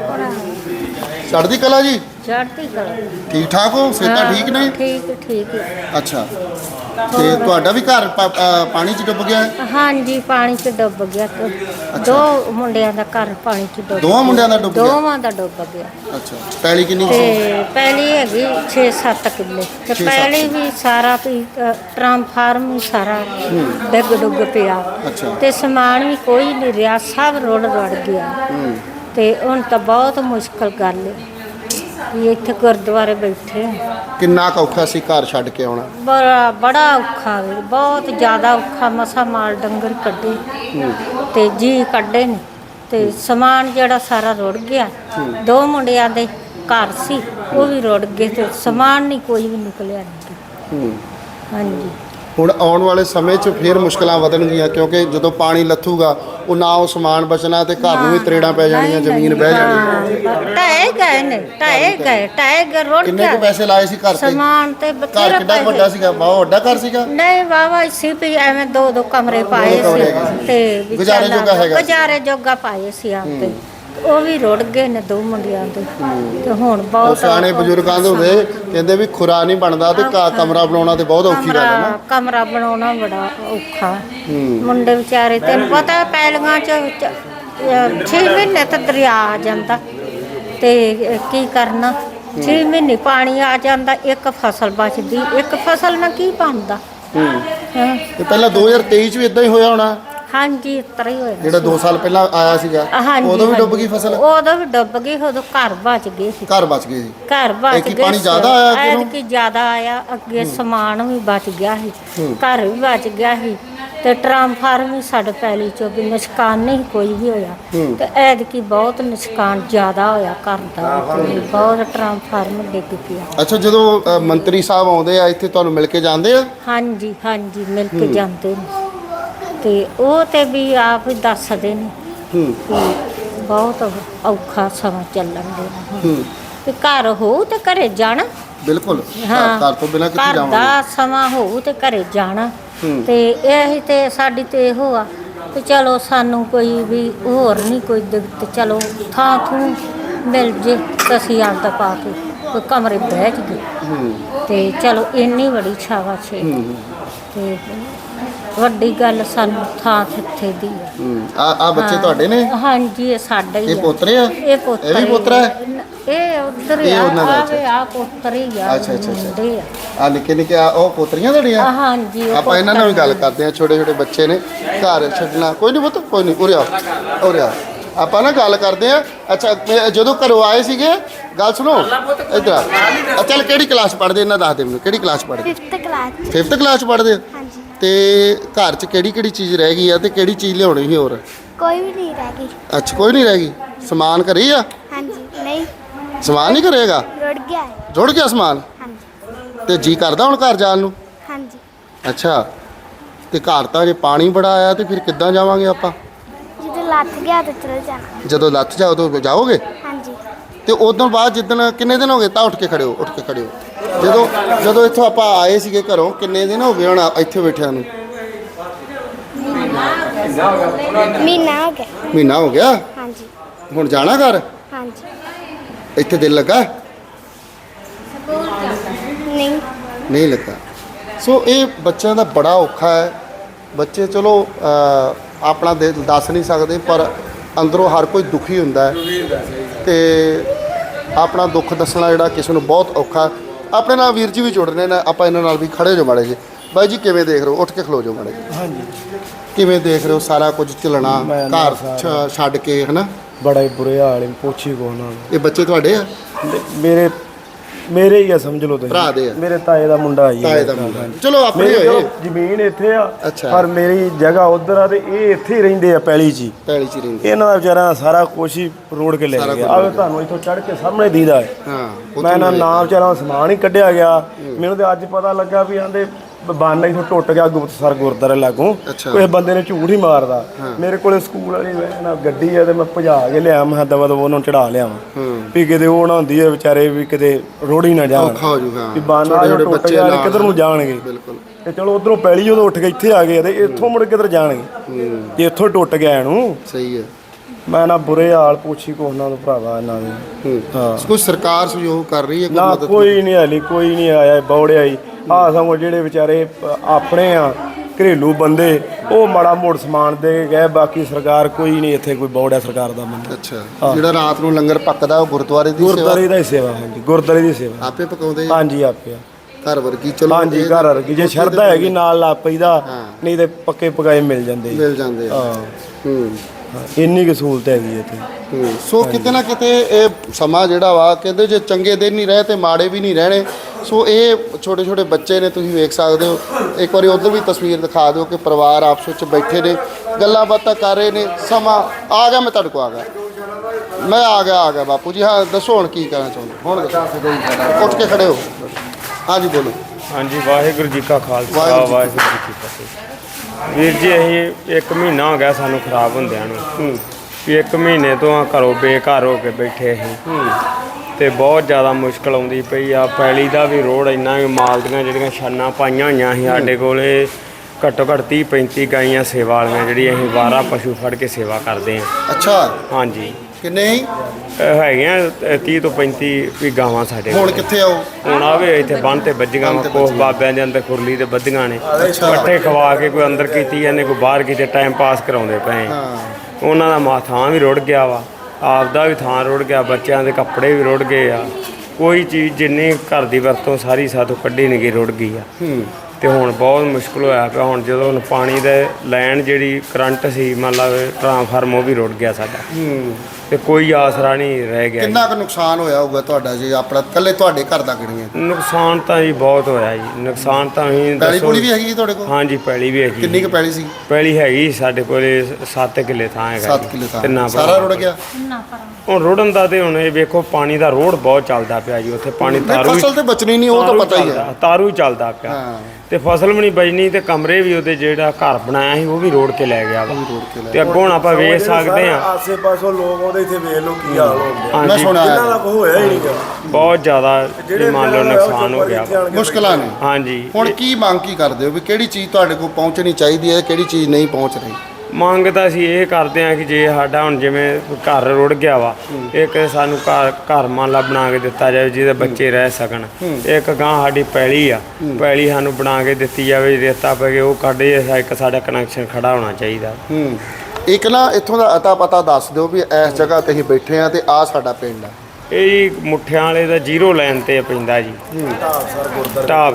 ਚੜ੍ਹਦੀ ਕਲਾ ਜੀ? ਚੜ੍ਹਦੀ ਕਲਾ। ਠੀਕ ਠਾਕ ਹੋ? ਸਿਹਤਾਂ ਠੀਕ ਨੇ? ਠੀਕ ਠੀਕ ਹੈ। ਅੱਛਾ। ਤੇ ਤੁਹਾਡਾ ਵੀ ਘਰ ਪਾ- ਅ, ਪਾਣੀ 'ਚ ਡੁੱਬ ਗਿਆ ਹੈ? ਹਾਂਜੀ ਪਾਣੀ 'ਚ ਡੁੱਬ ਗਿਆ ਤੇ ਦੋ ਮੁੰਡਿਆਂ ਦਾ ਘਰ ਪਾਣੀ 'ਚ ਡੁੱਬ ਦੋਵਾਂ ਮੁੰਡਿਆਂ ਦਾ ਡੁੱਬ ਗਿਆ? ਦੋਵਾਂ ਦਾ ਡੁੱਬ ਗਿਆ। ਅੱਛਾ। ਪੈਲੀ ਕਿੰਨੀ ਸੀ? ਤੇ ਪਹਿਲੀ ਹੈਗੀ ਛੇ ਸੱਤ ਕਿੱਲੇ ਤੇ ਛੇ ਸੱਤ। ਪਹਿਲੀ ਵੀ ਸਾਰਾ ਵੀ ਅ, ਟਰਾਂਸਫਾਰਮ ਵੀ ਸਾਰਾ ਡਿੱਗ ਡੁੱਗ ਪਿਆ ਅੱਛਾ। ਤੇ ਸਮਾਨ ਵੀ ਕੋਈ ਨਹੀਂ ਰਿਹਾ, ਸਭ ਰੁੜ ਰੁੜ ਗਿਆ। ਤੇ ਹੁਣ ਤਾਂ ਬਹੁਤ ਮੁਸ਼ਕਲ ਗੱਲ ਹੈ ਵੀ ਇੱਥੇ ਗੁਰਦੁਆਰੇ ਬੈਠੇ ਹਾਂ। ਕਿੰਨਾ ਕੁ ਔਖਾ ਸੀ ਘਰ ਛੱਡ ਕੇ ਆਉਣਾ? ਬੜਾ ਬੜਾ ਔਖਾ ਵੇ, ਬਹੁਤ ਜ਼ਿਆਦਾ ਔਖਾ। ਮਸਾ ਮਾਲ ਡੰਗਰ ਕੱਢੇ ਤੇ ਜੀ ਕੱਢੇ ਨੇ ਤੇ ਸਮਾਨ ਜਿਹੜਾ ਸਾਰਾ ਰੁੜ ਗਿਆ। ਦੋ ਮੁੰਡਿਆਂ ਦੇ ਘਰ ਸੀ ਉਹ ਵੀ ਰੁੜ ਗਏ ਤੇ ਸਮਾਨ ਨਹੀਂ ਕੋਈ ਵੀ ਨਿਕਲਿਆ ਨਹੀਂ। ਹੂੰ। ਹਾਂਜੀ ਹੁਣ ਆਉਣ ਵਾਲੇ ਸਮੇਂ 'ਚ ਫਿਰ ਮੁਸ਼ਕਲਾਂ ਵਧਣਗੀਆਂ ਕਿਉਂਕਿ ਜਦੋਂ ਪਾਣੀ ਲੱਥੂਗਾ ਉਹ ਨਾ ਉਹ ਸਮਾਨ ਬਚਣਾ ਤੇ ਘਰ ਨੂੰ ਵੀ ਤਰੇੜਾਂ ਪੈ ਜਾਣੀਆਂ, ਜ਼ਮੀਨ ਬਹਿ ਜਾਣੀ। ਢਾਏ ਗਏ ਨੇ, ਢਾਏ ਗਏ ਢਾਏ ਗਏ ਰੁੜ ਕਿੰਨੇ ਗਿਆ ਕੁ ਪੈਸੇ ਲਾਏ ਸੀ ਘਰ ਤੇ? ਸਮਾਨ ਤੇ ਘਰ ਬਥੇਰਾ ਕਿੰਨਾ ਕੁ ਵੱਡਾ ਪੈਸੇ। ਸੀਗਾ? ਬਹੁਤ ਵੱਡਾ ਘਰ ਸੀਗਾ? ਨਹੀਂ ਵਾਵਾ ਸੀ ਵੀ ਐਵੇਂ ਦੋ ਦੋ ਕਮਰੇ ਪਾਏ ਕਮਰੇ ਸੀ ਹੈਗੇ ਸੀ। ਤੇ ਵੀ ਗੁਜ਼ਾਰੇ ਚੱਲ ਜੋਗਾ ਹੈਗਾ ਸੀ। ਗੁਜ਼ਾਰੇ ਜੋਗਾ ਪਾਏ ਸੀ ਆਪ ਤੇ ਉਹ ਵੀ ਰੁੜ ਗਏ ਨੇ ਦੋ ਮੁੰਡਿਆਂ ਦੇ ਤੇ ਹੁਣ ਉਹ ਬਹੁਤ ਸਿਆਣੇ ਬਜ਼ੁਰਗਾਂ ਦੇ ਹੁੰਦੇ ਕਹਿੰਦੇ ਵੀ ਖੁਰਾ ਨਹੀਂ ਬਣਦਾ ਤੇ ਘਰ ਕਮਰਾ ਬਣਾਉਣਾ ਤੇ ਬਹੁਤ ਔਖੀ ਗੱਲ ਹੈ ਨਾ। ਕਮਰਾ ਕਮਰਾ ਬਣਾਉਣਾ ਬੜਾ ਔਖਾ। ਮੁੰਡੇ ਵਿਚਾਰੇ ਤੈਨੂੰ ਪਤਾ ਪੈਲੀਆਂ ਚ ਛੇ ਮਹੀਨੇ ਤਾਂ ਦਰਿਆ ਆ ਜਾਂਦਾ ਤੇ ਕੀ ਕਰਨਾ। ਛੇ ਮਹੀਨੇ ਪਾਣੀ ਆ ਜਾਂਦਾ, ਇੱਕ ਫਸਲ ਬਚਦੀ, ਇੱਕ ਫਸਲ ਨਾਲ ਕੀ ਬਣਦਾ। ਹਾਂ ਤੇ ਪਹਿਲਾਂ ਦੋ ਹਜ਼ਾਰ ਤੇਈ 'ਚ ਵੀ ਇਦਾਂ ਹੀ ਹੋਇਆ ਹੋਣਾ? ਹਾਂਜੀ ਉਤਰ ਹੀ ਹੋਇਆ ਜਿਹੜਾ ਦੋ ਸਾਲ ਪਹਿਲਾਂ ਆਇਆ ਸੀਗਾ ਹਾਂਜੀ ਉਦੋਂ ਵੀ ਡੁੱਬ ਹਾਂਜੀ। ਗਈ ਫਸਲ? ਉਦੋਂ ਵੀ ਡੁੱਬ ਗਈ, ਉਦੋਂ ਘਰ ਬਚ ਗਏ ਸੀ। ਘਰ ਬਚ ਗਏ ਜੀ। ਘਰ ਬਚ ਐਤਕੀ ਗਏ ਪਾਣੀ ਜ਼ਿਆਦਾ ਆਇਆ ਅੱਗੇ ਨੂੰ? ਕਿ ਜ਼ਿਆਦਾ ਆਇਆ, ਅੱਗੇ ਸਮਾਨ ਵੀ ਬਚ ਗਿਆ ਸੀ, ਘਰ ਵੀ ਬਚ ਗਿਆ ਸੀ ਤੇ ਟਰਾਂਸਫਾਰਮ ਵੀ ਸਾਡੇ ਪੈਲੀ ਚੋਂ ਵੀ ਨੁਕਸਾਨ ਨਹੀਂ ਕੋਈ ਵੀ ਹੋਇਆ ਤੇ ਐਤਕੀ ਬਹੁਤ ਨੁਕਸਾਨ ਜ਼ਿਆਦਾ ਹੋਇਆ ਘਰ ਦਾ ਵੀ, ਬਹੁਤ ਟਰਾਂਸਫਾਰਮ ਡਿੱਗ ਪਿਆ। ਅੱਛਾ, ਜਦੋਂ ਅ, ਮੰਤਰੀ ਸਾਹਿਬ ਆਉਂਦੇ ਆ ਇੱਥੇ ਤੁਹਾਨੂੰ ਮਿਲ ਕੇ ਜਾਂਦੇ ਆ? ਹਾਂਜੀ ਹਾਂਜੀ ਮਿਲ ਕੇ ਜਾਂਦੇ ਨੇ ਤੇ ਉਹ ਤੇ ਵੀ ਆਪ ਹੀ ਦੱਸਦੇ ਨੇ ਹੂੰ ਕਿ ਬਹੁਤ ਔਖਾ ਸਮਾਂ ਚੱਲਣ ਦੇ ਹੂੰ ਤੇ ਘਰ ਹੋਊ ਤੇ ਘਰੇ ਜਾਣਾ। ਬਿਲਕੁਲ। ਹਾਂ, ਘਰ ਤੋਂ ਬਿਨਾਂ ਕਿੱਥੇ ਘਰ ਜਾਵਾਂਗੇ? ਦਾ ਸਮਾਂ ਹੋਊ ਤੇ ਘਰੇ ਜਾਣਾ ਹੂੰ। ਤੇ ਇਹ ਤੇ ਸਾਡੀ ਤੇ ਇਹੋ ਆ ਤੇ ਚਲੋ ਸਾਨੂੰ ਕੋਈ ਵੀ ਹੋਰ ਨਹੀਂ ਕੋਈ ਦਿੱਕਤ, ਚਲੋ ਥਾਂ ਥੂ ਮਿਲ ਜੇ ਤਾਂ ਅਸੀਂ ਆਪਦਾ ਪਾ ਕੇ ਕੋਈ ਕਮਰੇ ਬਹਿ ਜਾਈਏ ਹੂੰ ਤੇ ਚਲੋ ਇੰਨੀ ਬੜੀ ਸ਼ਾਬਾਸ਼ ਹੈ ਤੇ ਵੱਡੀ ਗੱਲ ਸਾਨੂੰ ਥਾਂ ਕਿੱਥੇ ਦੀ ਆ। ਹੂੰ ਆ ਆ ਬੱਚੇ ਤੁਹਾਡੇ ਨੇ? ਹਾਂਜੀ ਇਹ ਸਾਡਾ ਹੀ ਇਹ ਆ। ਪੋਤਰੇ ਆ? ਇਹ ਪੋਤਰੇ ਇਹ ਵੀ ਪੋਤਰਾ ਹੈ? ਇਹ ਉਧਰ ਇਹ ਆ, ਉਹਨਾਂ ਦਾ, ਆਵੇ ਆ ਪੋਤਰੇ ਹੀ ਆ, ਅੱਛਾ, ਅੱਛਾ, ਅੱਛਾ। ਮੁੰਡੇ ਆ। ਆ ਨਿੱਕੇ ਨਿੱਕੇ ਆ ਉਹ ਪੋਤਰੀਆਂ ਤੁਹਾਡੀਆਂ? ਆ, ਹਾਂਜੀ ਉਹ ਆਪਾਂ ਇਹਨਾਂ ਨਾਲ ਵੀ ਗੱਲ ਪੋਤਰੇ। ਕਰਦੇ ਆ। ਛੋਟੇ ਛੋਟੇ ਬੱਚੇ ਨੇ, ਘਰ ਛੱਡਣਾ ਕੋਈ ਨਹੀਂ ਪੁੱਤ, ਕੋਈ ਨਹੀਂ, ਉਰੇ ਆ ਉਰੇ ਆ। ਆਪਾਂ ਨਾ ਗੱਲ ਕਰਦੇ ਆ। ਅੱਛਾ, ਮੈਂ ਜਦੋਂ ਘਰੋਂ ਆਏ ਸੀਗੇ, ਗੱਲ ਸੁਣੋ ਇੱਧਰ ਆ। ਆ ਚੱਲ, ਕਿਹੜੀ ਕਲਾਸ ਪੜ੍ਹਦੇ ਇਹਨਾਂ ਦੱਸ ਦੇ ਮੈਨੂੰ, ਕਿਹੜੀ ਕਲਾਸ ਪੜ੍ਹਦੇ? Fifth class. ਫਿਫਥ ਕਲਾਸ ਪੜ੍ਹਦੇ ਹੋ? ਹਾਂਜੀ। ਤੇ ਘਰ 'ਚ ਕਿਹੜੀ ਕਿਹੜੀ ਚੀਜ਼ ਰਹਿ ਗਈ ਆ ਤੇ ਕਿਹੜੀ ਚੀਜ਼ ਲਿਆਉਣੀ ਸੀ ਹੋਰ? ਕੋਈ ਵੀ ਨਹੀਂ ਰਹਿ ਗਈ। ਅੱਛਾ, ਕੋਈ ਨਹੀਂ ਰਹਿ ਗਈ। ਸਮਾਨ ਘਰੇ ਹੀ ਆ? ਹਾਂਜੀ। ਨਹੀਂ, ਸਮਾਨ ਨਹੀਂ ਕਰੇਗਾ? ਰੁੜ ਗਿਆ ਹੈ। ਜੁੜ ਗਿਆ ਸਮਾਨ? ਹਾਂਜੀ ਤੇ ਜੀ ਕਰਦਾ ਹੁਣ ਘਰ ਜਾਣ ਨੂੰ? ਹਾਂਜੀ। ਅੱਛਾ, ਤੇ ਘਰ ਤਾਂ ਜੇ ਪਾਣੀ ਬੜਾ ਆਇਆ ਤੇ ਫਿਰ ਕਿੱਦਾਂ ਜਾਵਾਂਗੇ ਆਪਾਂ? ਜਦੋਂ ਲੱਥ ਗਿਆ ਤਾਂ ਚਲ ਜਾਣਾ। ਜਦੋਂ ਲੱਥ ਜਾਓ ਉਦੋਂ ਜਾਓਗੇ? ਹਾਂਜੀ। ਤੇ ਉਦੋਂ ਬਾਅਦ ਜਿੱਦਣ ਕਿੰਨੇ ਦਿਨ ਹੋ ਗਏ ਤਾਂ ਉੱਠ ਕੇ ਖੜੇ ਹੋ, ਉੱਠ ਕੇ ਖੜੇ ਹੋ। ਜਦੋਂ ਜਦੋਂ ਇੱਥੋਂ ਆਪਾਂ ਆਏ ਸੀਗੇ ਘਰੋਂ, ਕਿੰਨੇ ਦਿਨ ਹੋ ਗਏ ਹੁਣ ਇੱਥੇ ਬੈਠਿਆਂ ਨੂੰ? ਮਹੀਨਾ ਹੋ ਗਿਆ। ਮਹੀਨਾ ਹੋ ਗਿਆ। ਹਾਂਜੀ। ਹੁਣ ਜਾਣਾ ਘਰ? ਹਾਂਜੀ। ਇੱਥੇ ਦਿਲ ਲੱਗਾ? ਨਹੀਂ। ਨਹੀਂ ਲੱਗਾ। ਸੋ ਇਹ ਬੱਚਿਆਂ ਦਾ ਬੜਾ ਔਖਾ ਹੈ। ਬੱਚੇ ਚਲੋ ਅ, ਆਪਣਾ ਦਿਲ ਦੱਸ ਨਹੀਂ ਸਕਦੇ, ਪਰ ਅੰਦਰੋਂ ਹਰ ਕੋਈ ਦੁਖੀ ਹੁੰਦਾ ਹੈ ਤੇ ਆਪਣਾ ਦੁੱਖ ਦੱਸਣਾ ਜਿਹੜਾ ਕਿਸੇ ਨੂੰ ਬਹੁਤ ਔਖਾ। ਆਪਣੇ ਨਾਲ ਵੀਰ ਜੀ ਵੀ ਜੁੜ ਰਹੇ ਨੇ, ਆਪਾਂ ਇਹਨਾਂ ਨਾਲ ਵੀ ਖੜੇ ਜੋ ਮਾੜੇ ਜੀ। ਬਾਈ ਜੀ ਕਿਵੇਂ ਦੇਖ ਰਹੇ ਹੋ? ਉੱਠ ਕੇ ਖਲੋ ਜਾਓ ਮਾੜੇ ਜੀ। ਹਾਂਜੀ, ਕਿਵੇਂ ਦੇਖ ਰਹੇ ਹੋ ਸਾਰਾ ਕੁਝ ਝੱਲਣਾ, ਮੈਂ ਘਰ ਸਾਰਾ- ਛ- ਛੱਡ ਕੇ, ਹਨਾ? ਬੜਾ ਹੀ ਬੁਰੇ ਹਾਲ ਹੈ, ਪੁੱਛੀ ਕੋ ਨਾਲ। ਇਹ ਬੱਚੇ ਤੁਹਾਡੇ ਆ? ਮੇਰੇ ਮੇਰੇ ਹੀ ਆ, ਸਮਝ ਲਓ ਤੁਸੀਂ। ਭਰਾ ਦੇ ਆ? ਮੇਰੇ ਤਾਏ ਦਾ ਮੁੰਡਾ ਹੀ ਤਾਏ ਦਾ ਮੁੰਡਾ। ਚਲੋ ਆਪਣੇ ਮੇਰੀ ਹੋਏ। ਚਲੋ ਜ਼ਮੀਨ ਇੱਥੇ ਆ, ਅੱਛਾ। ਪਰ ਮੇਰੀ ਜਗ੍ਹਾ ਉਧਰ ਆ ਤੇ ਇਹ ਇੱਥੇ ਹੀ ਰਹਿੰਦੇ ਆ ਪੈਲੀ 'ਚ ਹੀ। ਪੈਲੀ ਚ ਹੀ ਰਹਿੰਦੇ। ਇਹਨਾਂ ਦਾ ਵਿਚਾਰਾ ਸਾਰਾ ਕੁਛ ਹੀ ਰੋੜ ਕੇ ਲੈ ਸਾਰਾ ਗਿਆ। ਕੁਛ ਆਹ ਰੋੜ ਤੁਹਾਨੂੰ ਇੱਥੋਂ ਚੜ੍ਹ ਕੇ ਸਾਹਮਣੇ ਦੀਦਾ ਹੈ। ਹਾਂ, ਮੈਂ ਨਾ ਨਾਮ ਵਿਚਾਰਾ ਸਮਾਨ ਹੀ ਕੱਢਿਆ ਗਿਆ। ਮੈਨੂੰ ਤੇ ਅੱਜ ਪਤਾ ਲੱਗਾ ਵੀ ਆਂਦੇ ਬੰਨ ਇੱਥੋਂ ਟੁੱਟ ਗਿਆ ਗੁਪਤਸਰ ਗੁਰਦੁਆਰੇ ਲਾਗੋਂ। ਅੱਛਾ। ਕੋਈ ਬੰਦੇ ਨੇ ਝੂਠ ਹੀ ਮਾਰਦਾ। ਮੇਰੇ ਕੋਲੇ ਸਕੂਲ ਵਾਲੀ ਵੈਨ ਗੱਡੀ ਆ ਤੇ ਮੈਂ ਭਜਾ ਕੇ ਲਿਆ, ਮੈਂ ਦਵਾ ਦਵਾ ਉਹਨੂੰ ਚੜਾ ਲਿਆ ਵੀ ਕਿਤੇ ਉਹ ਨਾ ਹੁੰਦੀ ਹੈ ਵਿਚਾਰੇ ਵੀ ਕਿਤੇ ਰੋੜੀ ਨਾ ਜਾਣ। ਔਖਾ ਹੋ ਜੂਗਾ। ਵੀ ਬੰਨ ਆ ਛੋਟੇ ਟੁੱਟ ਗਿਆ ਤੇ ਕਿੱਧਰ ਨੂੰ ਜਾਣਗੇ? ਬਿਲਕੁਲ। ਤੇ ਚਲੋ ਉਧਰੋਂ ਪੈਲੀ ਉਦੋਂ ਉੱਠ ਕੇ ਇੱਥੇ ਆ ਗਏ ਤੇ ਇੱਥੋਂ ਮੁੜ ਕਿੱਧਰ ਜਾਣਗੇ ਜੇ ਇੱਥੋਂ ਟੁੱਟ ਗਿਆ ਇਹਨੂੰ? ਸਹੀ ਹੈ। ਮੈਂ ਨਾ ਬੁਰੇ ਹਾਲ ਪੁੱਛੀ ਕੋਹ ਨਾਲ ਭਰਾਵਾ ਇਹਨਾਂ ਦੇ। ਹੂੰ। ਹਾਂ। ਕੋਈ ਸਰਕਾਰ ਸਹਿਯੋਗ ਕਰ ਰਹੀ ਹੈ? ਕੋਈ ਨਾ ਮਦਦ? ਕੋਈ ਨਹੀਂ ਹਾਲੀ, ਕੋਈ ਨਹੀਂ ਆਇਆ ਬੌੜਿਆ ਹੀ। ਆਹ ਸਮੋ ਜਿਹੜੇ ਵਿਚਾਰੇ ਪ- ਆਪਣੇ ਆ ਘਰੇਲੂ ਬੰਦੇ, ਉਹ ਮਾੜਾ ਮੋੜ ਸਮਾਨ ਦੇ ਕੇ ਗਏ, ਬਾਕੀ ਸਰਕਾਰ ਕੋਈ ਨਹੀਂ ਇੱਥੇ ਕੋਈ ਬੌੜਿਆ ਸਰਕਾਰ ਦਾ ਬੰਦਾ। ਅੱਛਾ, ਜਿਹੜਾ ਰਾਤ ਨੂੰ ਲੰਗਰ ਪੱਕਦਾ ਉਹ ਗੁਰਦੁਆਰੇ ਦੀ ਸੇਵਾ? ਗੁਰਦੁਆਰੇ ਦਾ ਹੀ ਸੇਵਾ। ਹਾਂਜੀ, ਗੁਰਦੁਆਰੇ ਦੀ ਸੇਵਾ। ਆਪੇ ਪਕਾਉਂਦੇ? ਹਾਂਜੀ, ਆਪੇ ਆ। ਘਰ ਵਰਗੀ ਚਲੋ। ਹਾਂਜੀ, ਇਹ- ਘਰ ਵਰਗੀ ਜੇ ਸ਼ਰਧਾ ਹੈਗੀ ਨਾਲ ਲਾ ਪਈਦਾ, ਹਾਂ। ਨਹੀਂ ਤੇ ਪੱਕੇ ਪਕਾਏ ਮਿਲ ਜਾਂਦੇ ਜੀ। ਮਿਲ ਜਾਂਦੇ ਆ। ਹਾਂ, ਹੂੰ ਹਾਂ, ਇੰਨੀ ਕੁ ਸਹੂਲਤ ਹੈਗੀ ਇੱਥੇ। ਹੂੰ। ਸੋ ਕਿਤੇ ਨਾ ਕਿਤੇ ਇਹ ਸਮਾਂ ਜਿਹੜਾ ਵਾ, ਕਹਿੰਦੇ ਜੇ ਚੰਗੇ ਦਿਨ ਨਹੀਂ ਰਹੇ ਤੇ ਮਾੜੇ ਵੀ ਨਹੀਂ ਰਹਿਣੇ। ਸੋ ਇਹ ਛੋਟੇ ਛੋਟੇ ਬੱਚੇ ਨੇ, ਤੁਸੀਂ ਵੇਖ ਸਕਦੇ ਹੋ। ਇੱਕ ਵਾਰੀ ਉਧਰ ਵੀ ਤਸਵੀਰ ਦਿਖਾ ਦਿਓ ਕਿ ਪਰਿਵਾਰ ਆਪਸ ਵਿੱਚ ਬੈਠੇ ਨੇ, ਗੱਲਾਂ ਬਾਤਾਂ ਕਰ ਰਹੇ ਨੇ। ਸਮਾਂ ਆ ਗਿਆ, ਮੈਂ ਤੁਹਾਡੇ ਕੋਲ ਆ ਗਿਆ, ਮੈਂ ਆ ਗਿਆ ਆ ਗਿਆ ਬਾਪੂ ਜੀ। ਹਾਂ, ਦੱਸੋ ਹੁਣ ਕੀ ਕਹਿਣਾ ਚਾਹੁੰਦੇ? ਹੁਣ ਦੱਸੋ, ਉੱਠ ਕੇ ਖੜੇ ਹੋ। ਹਾਂਜੀ, ਬੋਲੋ। ਹਾਂਜੀ, ਵਾਹਿਗੁਰੂ ਜੀ ਕਾ ਖਾਲਸਾ, ਵਾਹਿਗੁਰੂ ਜੀ ਕੀ ਵਾਹਿਗੁਰੂ ਜੀ ਕੀ ਫਤਿਹ। ਵੀਰ ਜੀ, ਅਸੀਂ ਇੱਕ ਮਹੀਨਾ ਹੋ ਗਿਆ ਸਾਨੂੰ ਖਰਾਬ ਹੁੰਦਿਆਂ ਨੂੰ। ਵੀ ਇੱਕ ਮਹੀਨੇ ਤੋਂ ਆ ਘਰੋਂ ਬੇਘਰ ਹੋ ਕੇ ਬੈਠੇ ਅਸੀਂ ਤੇ ਬਹੁਤ ਜ਼ਿਆਦਾ ਮੁਸ਼ਕਲ ਆਉਂਦੀ ਪਈ ਆ। ਪੈਲੀ ਦਾ ਵੀ ਰੋਡ ਇੰਨਾ ਵੀ, ਮਾਲ ਦੀਆਂ ਜਿਹੜੀਆਂ ਛਾਨਾਂ ਪਾਈਆਂ ਹੋਈਆਂ ਸੀ ਸਾਡੇ ਕੋਲੇ, ਘੱਟੋ ਘੱਟ ਤੀਹ ਪੈਂਤੀ ਗਾਈਆਂ ਸੇਵਾ ਵਾਲੀਆਂ, ਜਿਹੜੀ ਅਸੀਂ ਬਾਰਾਂ ਪਸ਼ੂ ਫੜ ਕੇ ਸੇਵਾ ਕਰਦੇ ਹਾਂ। ਅੱਛਾ, ਹਾਂਜੀ, ਕਿੰਨੇ ਹੀ? ਇਹ ਹੈਗੀਆਂ ਤੀਹ ਤੋਂ ਪੈਂਤੀ ਵੀ ਗਾਵਾਂ ਸਾਡੇ ਹੁਣ ਕੋਲ। ਕਿੱਥੇ ਆਓ? ਹੁਣ ਆਵੇ ਇੱਥੇ ਬੰਨ੍ਹ ਤੇ ਵੱਜੀਆਂ ਵਾ, ਕੋਹ ਬਾਬਿਆਂ ਦੇ ਅੰਦਰ ਖੁਰਲੀ ਤੇ ਬੱਧੀਆਂ ਨੇ। ਇਕੱਠੇ ਖਵਾ ਕੇ ਕੋਈ ਅੰਦਰ ਕੀਤੀ ਜਾਂਦੇ, ਕੋਈ ਬਾਹਰ ਕੀਤੇ, ਟਾਈਮ ਪਾਸ ਕਰਾਉਂਦੇ ਪਏ। ਹਾਂ। ਉਹਨਾਂ ਦਾ ਮਾ ਥਾਂ ਵੀ ਰੁੜ ਗਿਆ ਵਾ, ਆਪਦਾ ਵੀ ਥਾਂ ਰੁੜ ਗਿਆ, ਬੱਚਿਆਂ ਦੇ ਕੱਪੜੇ ਵੀ ਰੁੜ ਗਏ ਆ। ਕੋਈ ਚੀਜ਼ ਜਿੰਨੀ ਘਰ ਦੀ ਵਰਤੋਂ ਸਾਰੀ ਸਾਥੋਂ ਕੱਢੀ ਨਹੀਂ ਗਈ, ਰੁੜ ਗਈ ਆ। ਤੇ ਹੁਣ ਬਹੁਤ ਮੁਸ਼ਕਲ ਹੋਇਆ ਪਿਆ। ਹੁਣ ਜਦੋਂ ਹੁਣ ਪਾਣੀ ਦੇ ਲਾਈਨ ਜਿਹੜੀ ਕਰੰਟ ਸੀ ਮਤਲਬ ਟਰਾਂਸਫਾਰਮ ਉਹ ਵੀ ਰੁੜ ਗਿਆ ਸਾਡਾ ਤੇ ਕੋਈ ਆਸਰਾ ਨਹੀਂ ਰਹਿ ਗਿਆ। ਕਿੰਨਾ ਕੁ ਨੁਕਸਾਨ ਹੋਇਆ ਹੋਊਗਾ ਤੁਹਾਡਾ ਜੀ ਆਪਣਾ ਇਕੱਲੇ ਤੁਹਾਡੇ ਘਰ ਦਾ ਗਿਣੀਏ? ਨੁਕਸਾਨ ਤਾਂ ਜੀ ਬਹੁਤ ਹੋਇਆ ਜੀ। ਨੁਕਸਾਨ ਤਾਂ ਅਸੀਂ ਪੈਲੀ ਦੱਸੋ। ਪੂਲੀ ਵੀ ਹੈਗੀ ਜੀ ਤੁਹਾਡੇ ਕੋਲ? ਹਾਂਜੀ ਪੈਲੀ ਵੀ ਹੈਗੀ। ਕਿੰਨੀ ਕੁ ਪੈਲੀ ਸੀ? ਪੈਲੀ ਹੈਗੀ ਸਾਡੇ ਕੋਲੇ ਸੱਤ ਕਿੱਲੇ ਥਾਂ ਹੈਗਾ। ਸੱਤ ਕਿੱਲੇ ਥਾਂ ਤਿੰਨਾਂ ਸਾਰਾ ਭਰਾਵਾਂ ਰੁੜ ਗਿਆ? ਹੁਣ ਰੁੜਨ ਦਾ ਤੇ ਹੁਣ ਇਹ ਵੇਖੋ ਪਾਣੀ ਦਾ ਰੋਡ ਬਹੁਤ ਚੱਲਦਾ ਪਿਆ ਜੀ। ਉੱਥੇ ਪਾਣੀ ਨਹੀਂ, ਤਾਰੂ ਫਸਲ ਤੇ ਬਚਣੀ ਨਹੀਂ, ਉਹ ਤਾਂ ਤਾਰੂ ਪਤਾ ਹੀ ਹੈ। ਚੱਲਦਾ, ਤਾਰੂ ਚੱਲਦਾ ਪਿਆ ਹਾਂ। ਤੇ ਫਸਲ ਵੀ ਨਹੀਂ ਬਚਣੀ ਤੇ ਕਮਰੇ ਵੀ ਉਹਦੇ ਜਿਹੜਾ ਘਰ ਬਣਾਇਆ ਸੀ ਉਹ ਵੀ ਰੋੜ ਕੇ ਲੈ ਗਿਆ ਵਾ। ਤੇ ਅੱਗੋਂ ਹੁਣ ਆਪਾਂ ਵੇਖ ਸਕਦੇ ਆ ਆਸੇ ਪਾਸੋਂ ਲੋਕ ਆਉਂਦੇ ਇੱਥੇ ਵੇਖ ਲੋ ਕੀ ਹਾਲ ਹੋ ਗਿਆ। ਮੈਂ ਸੁਣਿਆ ਇਹਨਾਂ ਦਾ ਕੋਈ ਹੋਇਆ ਹੀ ਨਹੀਂਗਾ। ਬਹੁਤ ਜ਼ਿਆਦਾ ਇਹ ਮੰਨ ਲਓ ਨੁਕਸਾਨ ਹੋ ਗਿਆ ਵਾ। ਮੁਸ਼ਕਲਾਂ ਨੇ। ਹਾਂਜੀ ਹੁਣ ਕੀ ਮੰਗ ਕੀ ਕਰਦੇ ਹੋ ਵੀ ਕਿਹੜੀ ਚੀਜ਼ ਤੁਹਾਡੇ ਕੋਲ ਪਹੁੰਚਣੀ ਚਾਹੀਦੀ ਹੈ, ਕਿਹੜੀ ਚੀਜ਼ ਨਹੀਂ ਪਹੁੰਚ ਰਹੀ? ਮੰਗ ਤਾਂ ਅਸੀਂ ਇਹ ਕਰਦੇ ਆ ਕਿ ਜੇ ਸਾਡਾ ਹੁਣ ਜਿਵੇਂ ਘਰ ਰੁੜ ਗਿਆ ਵਾ ਇੱਕ ਸਾਨੂੰ ਘਰ ਘਰ ਮੰਨ ਲਾ ਬਣਾ ਕੇ ਦਿੱਤਾ ਜਾਵੇ ਜਿਹਦੇ ਬੱਚੇ ਰਹਿ ਸਕਣ। ਇੱਕ ਗਾਂ ਸਾਡੀ ਪੈਲੀ ਆ, ਪੈਲੀ ਸਾਨੂੰ ਬਣਾ ਕੇ ਦਿੱਤੀ ਜਾਵੇ, ਰੇਤਾ ਪੈ ਕੇ ਉਹ ਕੱਢੇ ਇੱਕ ਸਾਡਾ ਕਨੈਕਸ਼ਨ ਖੜਾ ਹੋਣਾ ਚਾਹੀਦਾ। ਹੂੰ ਇੱਕ ਨਾ ਇੱਥੋਂ ਦਾ ਅਤਾ ਪਤਾ ਦੱਸ ਦਿਓ ਵੀ ਇਸ ਜਗ੍ਹਾ ਤੇ ਅਸੀਂ ਬੈਠੇ ਆ ਤੇ ਆ ਸਾਡਾ ਪਿੰਡ ਆ। ਇਹ ਜੀ ਮੁੱਠਿਆਂ ਵਾਲੇ ਦਾ ਜ਼ੀਰੋ ਲਾਈਨ ਤੇ ਪੈਂਦਾ ਜੀ। ਢਾਬ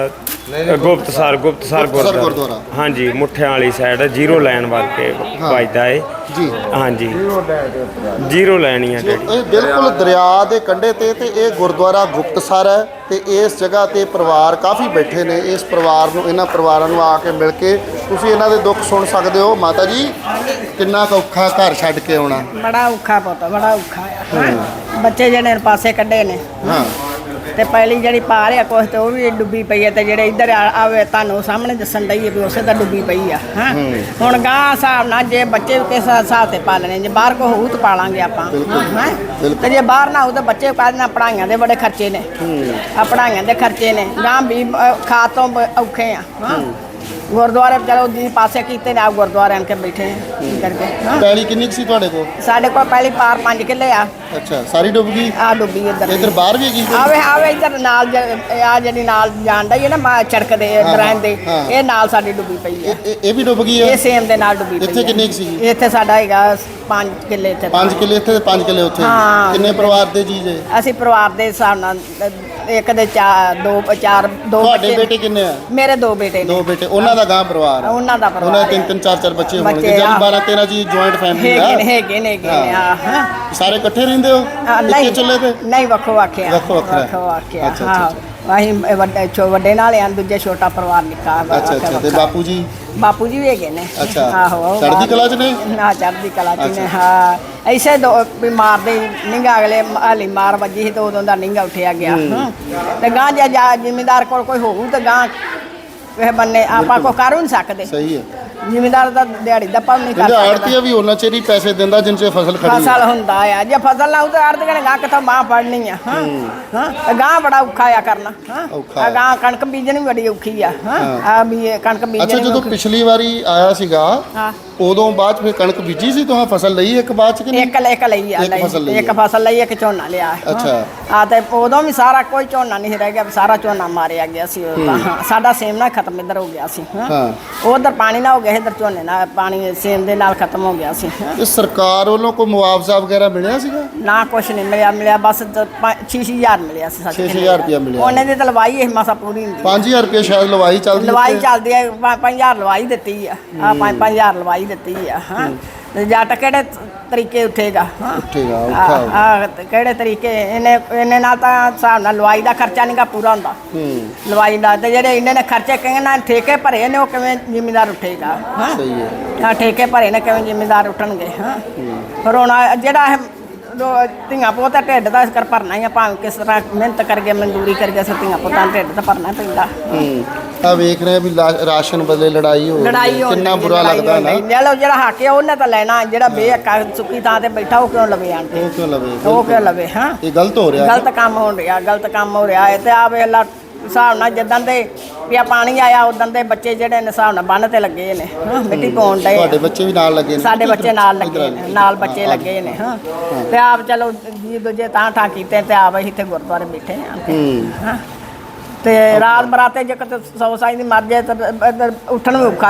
ਅ, ਗੁਪਤਸਰ ਗੁਪਤਸਰ ਗੁਰਦੁਆਰਾ ਗੁਰਦੁਆਰਾ। ਹਾਂਜੀ ਮੁੱਠਿਆਂ ਵਾਲੀ ਸਾਈਡ ਜ਼ੀਰੋ ਲਾਈਨ ਵੱਲ ਕੇ ਵੱਜਦਾ ਏ ਜੀ। ਹਾਂਜੀ ਜ਼ੀਰੋ ਲਾਈਨ ਹੀ ਆ ਜਿਹੜੀ। ਇਹ ਬਿਲਕੁਲ ਦਰਿਆ ਦੇ ਕੰਢੇ ਤੇ ਤੇ ਇਹ ਗੁਰਦੁਆਰਾ ਗੁਪਤਸਰ ਹੈ ਤੇ ਇਸ ਜਗ੍ਹਾ ਤੇ ਪਰਿਵਾਰ ਕਾਫੀ ਬੈਠੇ ਨੇ। ਇਸ ਪਰਿਵਾਰ ਨੂੰ ਇਹਨਾਂ ਪਰਿਵਾਰਾਂ ਨੂੰ ਆ ਕੇ ਮਿਲ ਕੇ ਤੁਸੀਂ ਇਹਨਾਂ ਦੇ ਦੁੱਖ ਸੁਣ ਸਕਦੇ ਹੋ। ਮਾਤਾ ਜੀ ਕਿੰਨਾ ਕੁ ਔਖਾ ਘਰ ਛੱਡ ਕੇ ਆਉਣਾ? ਬੜਾ ਔਖਾ ਪੁੱਤ, ਬੜਾ ਔਖਾ ਆ। ਹਾਂ। ਬੱਚੇ ਜਿਹੜੇ ਨੇ ਪਾਸੇ ਕੱਢੇ ਨੇ ਹਾਂ ਤੇ ਪਹਿਲੀ ਜਿਹੜੀ ਪਾ ਰਿਆ ਕੁਛ ਤੇ ਉਹ ਵੀ ਡੁੱਬੀ ਪਈ ਹੈ ਤੇ ਜਿਹੜੇ ਇੱਧਰ ਆ- ਆਵੇ ਤੁਹਾਨੂੰ ਸਾਹਮਣੇ ਦੱਸਣ ਡਈ ਵੀ ਉਸੇ ਤਾਂ ਡੁੱਬੀ ਪਈ ਆ। ਹਾਂ ਹੁਣ ਗਾਂ ਹਿਸਾਬ ਨਾਲ ਜੇ ਬੱਚੇ ਕਿਸ ਹਿਸਾਬ ਤੇ ਪਾਲਣੇ, ਜੇ ਬਾਹਰ ਕੋ ਹੋਊ ਤਾਂ ਪਾਲਾਂਗੇ ਆਪਾਂ। ਹਾਂ ਤੇ ਜੇ ਬਾਹਰ ਨਾ ਹੋਊ ਤਾਂ ਬੱਚੇ ਕਾਹਦੇ ਪੜਾਈਆਂ ਦੇ ਬੜੇ ਖਰਚੇ ਨੇ। ਆ ਪੜਾਈਆਂ ਦੇ ਖਰਚੇ ਨੇ ਗਾਂ ਵੀ ਅ, ਖਾ ਤੋਂ ਬ- ਔਖੇ ਆ। ਹਾਂ ਗੁਰਦੁਆਰੇ ਚਲੋ ਜੀ ਪਾਸੇ ਕੀਤੇ ਨੇ, ਆ ਗੁਰਦੁਆਰੇ ਆਣ ਕੇ ਬੈਠੇ ਆ ਕੀ ਕਰਕੇ। ਹਾਂ ਪੈਲੀ ਕਿੰਨੀ ਕੁ ਸੀ ਤੁਹਾਡੇ ਕੋਲ? ਸਾਡੇ ਕੋਲ ਪਹਿਲੀ ਪਾਰ ਪੰਜ ਕਿੱਲੇ ਆ। ਅੱਛਾ ਸਾਰੀ ਡੁੱਬ ਗਈ? ਆ ਡੁੱਬੀ ਇੱਧਰ ਇੱਧਰ ਬਾਹਰ ਵੀ ਹੈਗੀ ਕੋਈ? ਆਵੇ ਆਵੇ ਇੱਧਰ ਨਾਲ ਆ ਜਿਹੜੀ ਨਾਲ ਜਾਂਦਾ ਹੀ ਹੈ ਨਾ ਮਾ ਚੜਕ ਦੇ ਦਰਾਂ ਦੇ ਹਾਂ। ਇਹ ਨਾਲ ਸਾਡੀ ਡੁੱਬੀ ਪਈ ਹੈ। ਇਹ- ਇਹ ਇਹ ਵੀ ਡੁੱਬ ਗਈ ਇਹ ਹੈ? ਸੇਮ ਦੇ ਨਾਲ ਡੁੱਬੀ ਪਈ ਇੱਥੇ ਹੈ। ਕਿੰਨੀ ਕੁ ਸੀਗੀ? ਇੱਥੇ ਸਾਡਾ ਹੈਗਾ ਪੰਜ ਕਿੱਲੇ ਇੱਥੇ। ਪੰਜ ਕਿੱਲੇ ਇੱਥੇ ਤੇ ਪੰਜ ਕਿੱਲੇ ਉੱਥੇ। ਹਾਂ। ਕਿੰਨੇ ਪਰਿਵਾਰ ਦੇ ਜੀ ਜੇ? ਅਸੀਂ ਪਰਿਵਾਰ ਦੇ ਹਿਸਾਬ ਨਾਲ ਅ, ਇੱਕ ਦੇ ਚਾਰ ਦੋ ਚਾਰ ਦੋ ਤੁਹਾਡੇ ਬੱਚੇ- ਬੇਟੇ ਕਿੰਨੇ ਆ? ਮੇਰੇ ਦੋ ਬੇਟੇ ਨੇ। ਦੋ ਬੇਟੇ, ਉਹਨਾਂ ਦਾ ਗਾਂ ਪਰਿਵਾਰ ਆ? ਉਹਨਾਂ ਦਾ ਪਰਿਵਾਰ ਉਹਨਾਂ ਦੇ ਤਿੰਨ ਆ। ਤਿੰਨ ਚਾਰ ਚਾਰ ਬੱਚੇ ਹੋਣਗੇ। ਬੱਚੇ ਜਿਹੜੀ ਆ। ਬਾਰਾਂ ਤੇਰਾਂ ਜੀ ਜੁਆਇੰਟ ਫੈਮਿਲੀ ਹੈਗੇ ਨੇ ਆ? ਹੈਗੇ ਨੇ ਹੈਗੇ ਨੇ ਆ। ਹਾਂ ਸਾਰੇ ਇਕੱਠੇ ਰਹਿੰਦੇ ਹੋ ਆ, ਇੱਕੇ ਨਹੀਂ ਚੁੱਲ੍ਹੇ ਤੇ? ਨਹੀਂ ਵੱਖੋ ਵੱਖਿਆ ਵੱਖੋ ਵੱਖਰਾ। ਵੱਖੋ ਵੱਖਿਆ। ਅੱਛਾ, ਹਾਂ ਅਸੀਂ ਇਹ ਵੱਡੇ ਛੋ ਵੱਡੇ ਨਾਲ ਆ, ਦੂਜੇ ਛੋਟਾ ਪਰਿਵਾਰ ਨਿੱਕਾ। ਅੱਛਾ ਅੱਛਾ ਤੇ ਬਾਪੂ ਜੀ? ਬਾਪੂ ਜੀ ਵੀ ਹੈਗੇ ਨੇ। ਅੱਛਾ। ਆਹੋ ਚੜ੍ਹਦੀ ਕਲਾ 'ਚ ਨੇ? ਨਾ ਚੜ੍ਹਦੀ ਕਲਾ 'ਚ ਨੇ। ਹਾਂ ਐਸੇ ਦੋ ਵੀ ਮਾਰਦੇ ਨਿੰਗਾ ਅਗਲੇ ਹਾਲੀ ਮਾਰ ਵੱਜੀ ਸੀ ਤੇ ਉਦੋਂ ਦਾ ਨਿੰਗਾ ਉੱਠਿਆ ਗਿਆ। ਹਾਂ ਤੇ ਗਾਂ ਜੇ ਜਾ ਜ਼ਿਮੀਂਦਾਰ ਕੋਲ ਕੋਈ ਹੋਊ ਤੇ ਗਾਂ ਇਹ ਬੰਨੇ ਆਪਾਂ ਕੋ ਕਰ ਨਹੀਂ ਸਕਦੇ। ਸਹੀ ਹੈ। ਜ਼ਿਮੀਂਦਾਰ ਦਾ ਦਿਹਾੜੀ ਦਾ ਭਾਵ ਨਹੀਂ ਕਰ ਕਹਿੰਦੇ ਸਕਦਾ। ਆੜਤੀਆ ਵੀ ਉਹਨਾਂ ਚਿਰ ਹੀ ਪੈਸੇ ਦਿੰਦਾ ਜਿੰਨ ਚਿਰ ਫਸਲ ਖੜੀ ਫਸਲ ਹੁੰਦਾ ਆ। ਜੇ ਫਸਲ ਨਾ ਹੋ ਤਾਂ ਆੜਤ ਕਹਣੇ ਗਾਂ ਕਿਥੋਂ ਮਾਂ ਫੜਨੀ ਆ। ਹਾਂ ਹਾਂ ਤੇ ਗਾਂ ਬੜਾ ਔਖਾ ਆ ਕਰਨਾ। ਹਾਂ ਔਖਾ ਆ ਗਾਂ ਕਣਕ ਬੀਜਣੀ ਬੜੀ ਔਖੀ ਆ। ਹਾਂ ਆ ਵੀ ਇਹ ਕਣਕ ਅੱਛਾ ਬੀਜਣੀ ਜਦੋਂ ਔਖੀ। ਪਿਛਲੀ ਵਾਰੀ ਆਇਆ ਸੀਗਾ ਹਾਂ ਉਦੋਂ ਬਾਅਦ 'ਚ ਫਿਰ ਕਣਕ ਬੀਜੀ ਸੀ ਤੁਹਾਂ ਫਸਲ ਲਈ ਇੱਕ ਬਾਅਦ 'ਚ ਕਿ ਨਹੀਂ? ਇੱਕ ਇੱਕ ਲਈ ਆ ਇੱਕ ਫਸਲ ਲਈ ਲਈ ਇੱਕ ਆ। ਫਸਲ ਲਈ ਇੱਕ ਝੋਨਾ ਲਿਆ। ਹਾਂ। ਅੱਛਾ। ਆ ਤੇ ਉਦੋਂ ਵੀ ਸਾਰਾ ਕੋਈ ਝੋਨਾ ਨਹੀਂ ਰਹਿ ਗਿਆ, ਸਾਰਾ ਝੋਨਾ ਮਾਰਿਆ ਗਿਆ ਸੀ ਉਦੋਂ ਤਾਂ। ਹਾਂ ਸਾਡਾ ਸੇਮ ਨਾਲ ਖਤਮ ਇੱਧਰ ਹੋ ਗਿਆ ਸੀ। ਹਾਂ ਹਾਂ। ਉਧਰ ਪਾਣੀ ਨਾ ਹੋ ਗਿਆ, ਇੱਧਰ ਝੋਨੇ ਨਾਲ ਪਾਣੀ ਸੇਮ ਦੇ ਨਾਲ ਖਤਮ ਹੋ ਗਿਆ ਸੀ। ਹਾਂ। ਇਹ ਸਰਕਾਰ ਵੱਲੋਂ ਕੋਈ ਮੁਆਵਜ਼ਾ ਵਗੈਰਾ ਮਿਲਿਆ ਸੀਗਾ? ਨਾ ਕੁਛ ਨਹੀਂ ਮਿਲਿਆ ਮਿਲਿਆ ਬਸ ਛੇ ਹਜ਼ਾਰ ਮਿਲਿਆ ਸੀ। ਛੇ ਹਜ਼ਾਰ ਰੁਪਇਆ ਮਿਲਿਆ। ਉਹਨੇ ਦੀ ਤਾਂ ਲਵਾਈ ਇਹ ਮਸਾ ਪੂਰੀ ਹੁੰਦੀ। ਪੰਜ ਹਜ਼ਾਰ ਰੁਪਏ ਸ਼ਾਇਦ ਲਵਾਈ ਚੱਲਦੀ ਲਵਾਈ ਉੱਥੇ। ਚੱਲਦੀ ਹੈ। ਪੰਜ ਹਜ਼ਾਰ ਲਵਾਈ ਦਿੱਤੀ ਆ। ਆ ਪੰਜ ਪੰਜ ਹਜ਼ਾਰ ਲਵਾਈ ਦਿੱਤੀ ਆ। ਹਾਂ ਤੇ ਜੱਟ ਕਿਹੜੇ ਤਰੀਕੇ ਉੱਠੇਗਾ। ਹਾਂ ਉੱਠੇਗਾ, ਔਖਾ ਹੋਊਗਾ। ਆ ਕਿਹੜੇ ਤਰੀਕੇ ਇਹਨੇ ਇਹਨੇ ਨਾਲ ਤਾਂ ਹਿਸਾਬ ਨਾਲ ਲਵਾਈ ਦਾ ਖਰਚਾ ਨਹੀਂਗਾ ਪੂਰਾ ਹੁੰਦਾ। ਹੂੰ ਲਵਾਈ ਦਾ ਤੇ ਜਿਹੜੇ ਇਹਨਾਂ ਨੇ ਖਰਚੇ ਕਿੰਨੇ ਨਾਲ ਠੇਕੇ ਭਰੇ ਨੇ ਉਹ ਕਿਵੇਂ ਜ਼ਿਮੀਂਦਾਰ ਉੱਠੇਗਾ। ਹਾਂ ਸਹੀ ਹੈ। ਆ ਠੇਕੇ ਭਰੇ ਨੇ ਕਿਵੇਂ ਜ਼ਿਮੀਂਦਾਰ ਉੱਠਣਗੇ। ਹਾਂ ਪਰ ਹੁਣ ਆਹ ਜਿਹੜਾ ਇਹ ਲੋ- ਧੀਆਂ ਪੁੱਤਾਂ ਢਿੱਡ ਦਾ ਇਸ ਕਰ ਭਰਨਾ ਹੀ ਆ, ਭਾਵੇਂ ਕਿਸ ਤਰ੍ਹਾਂ ਮਿਹਨਤ ਕਰਕੇ ਮਜ਼ਦੂਰੀ ਕਰਕੇ ਅਸੀਂ ਧੀਆਂ ਪੁੱਤਾਂ ਦਾ ਢਿੱਡ ਤਾਂ ਭਰਨਾ ਪੈਂਦਾ। ਹੂੰ ਆ ਵੇਖ ਰਹੇ ਵੀ ਲਾ- ਰਾਸ਼ਨ ਬਦਲੇ ਲੜਾਈ ਹੋ ਰਹੀ ਹੈ। ਲੜਾਈ ਹੋ ਕਿੰਨਾ ਰਹੀ ਹੈ, ਬੁਰਾ ਲੜਾਈ ਲੱਗਦਾ ਹੋ ਨਾ। ਰਹੀ ਹੈ। ਚਲੋ ਜਿਹੜਾ ਹੱਕ ਹੈ ਉਹਨੇ ਤਾਂ ਲੈਣਾ, ਜਿਹੜਾ ਬੇਹੱਕਾ ਸੁੱਕੀ ਥਾਂ ਤੇ ਬੈਠਾ ਉਹ ਕਿਉਂ ਲਵੇ ਆਣ ਕੇ? ਉਹ ਕਿਉਂ ਲਵੇ? ਉਹ ਕਿਉਂ ਲਵੇ? ਹਾਂ ਇਹ ਗਲਤ ਹੋ ਰਿਹਾ। ਗਲਤ ਕੰਮ ਹੋ ਰਿਹਾ, ਗਲਤ ਕੰਮ ਹੋ ਰਿਹਾ ਹੈ। ਤੇ ਆ ਵੇਲਾ ਹਿਸਾਬ ਨਾਲ ਜਿੱਦਾਂ ਦੇ ਵੀ ਆ ਪਾਣੀ ਆਇਆ ਉਦੋਂ ਦੇ ਬੱਚੇ ਜਿਹੜੇ ਨੇ ਹਿਸਾਬ ਨਾਲ ਬੰਨ ਤੇ ਲੱਗੇ ਨੇ। ਹਾਂ ਮਿੱਟੀ ਪਾਉਣ ਡਏ ਆ। ਤੁਹਾਡੇ ਬੱਚੇ ਵੀ ਨਾਲ ਲੱਗੇ ਨੇ? ਸਾਡੇ ਬੱਚੇ ਨਾਲ ਲੱਗੇ ਇੱਧਰ ਨੇ, ਨਾਲ ਬੱਚੇ ਹਾਂ, ਲੱਗੇ ਨੇ। ਹਾਂ ਤੇ ਆਪ ਚਲੋ ਜੀ ਦੂਜੇ ਤਾਂ ਠਾ ਕੀਤੇ ਤੇ ਆਪ ਅਸੀਂ ਇੱਥੇ ਗੁਰਦੁਆਰੇ ਬੈਠੇ ਆਂ ਤੇ। ਹੂੰ ਹਾਂ ਤੇ ਰਾਤ ਬਰਾਤੇ ਜੇ ਕਿਤੇ ਸੌ ਸਾਈ ਦੀ ਮਰ ਜਾਏ ਤਾਂ ਇੱਧਰ ਉੱਠਣ ਵੀ ਔਖਾ ਹੈ।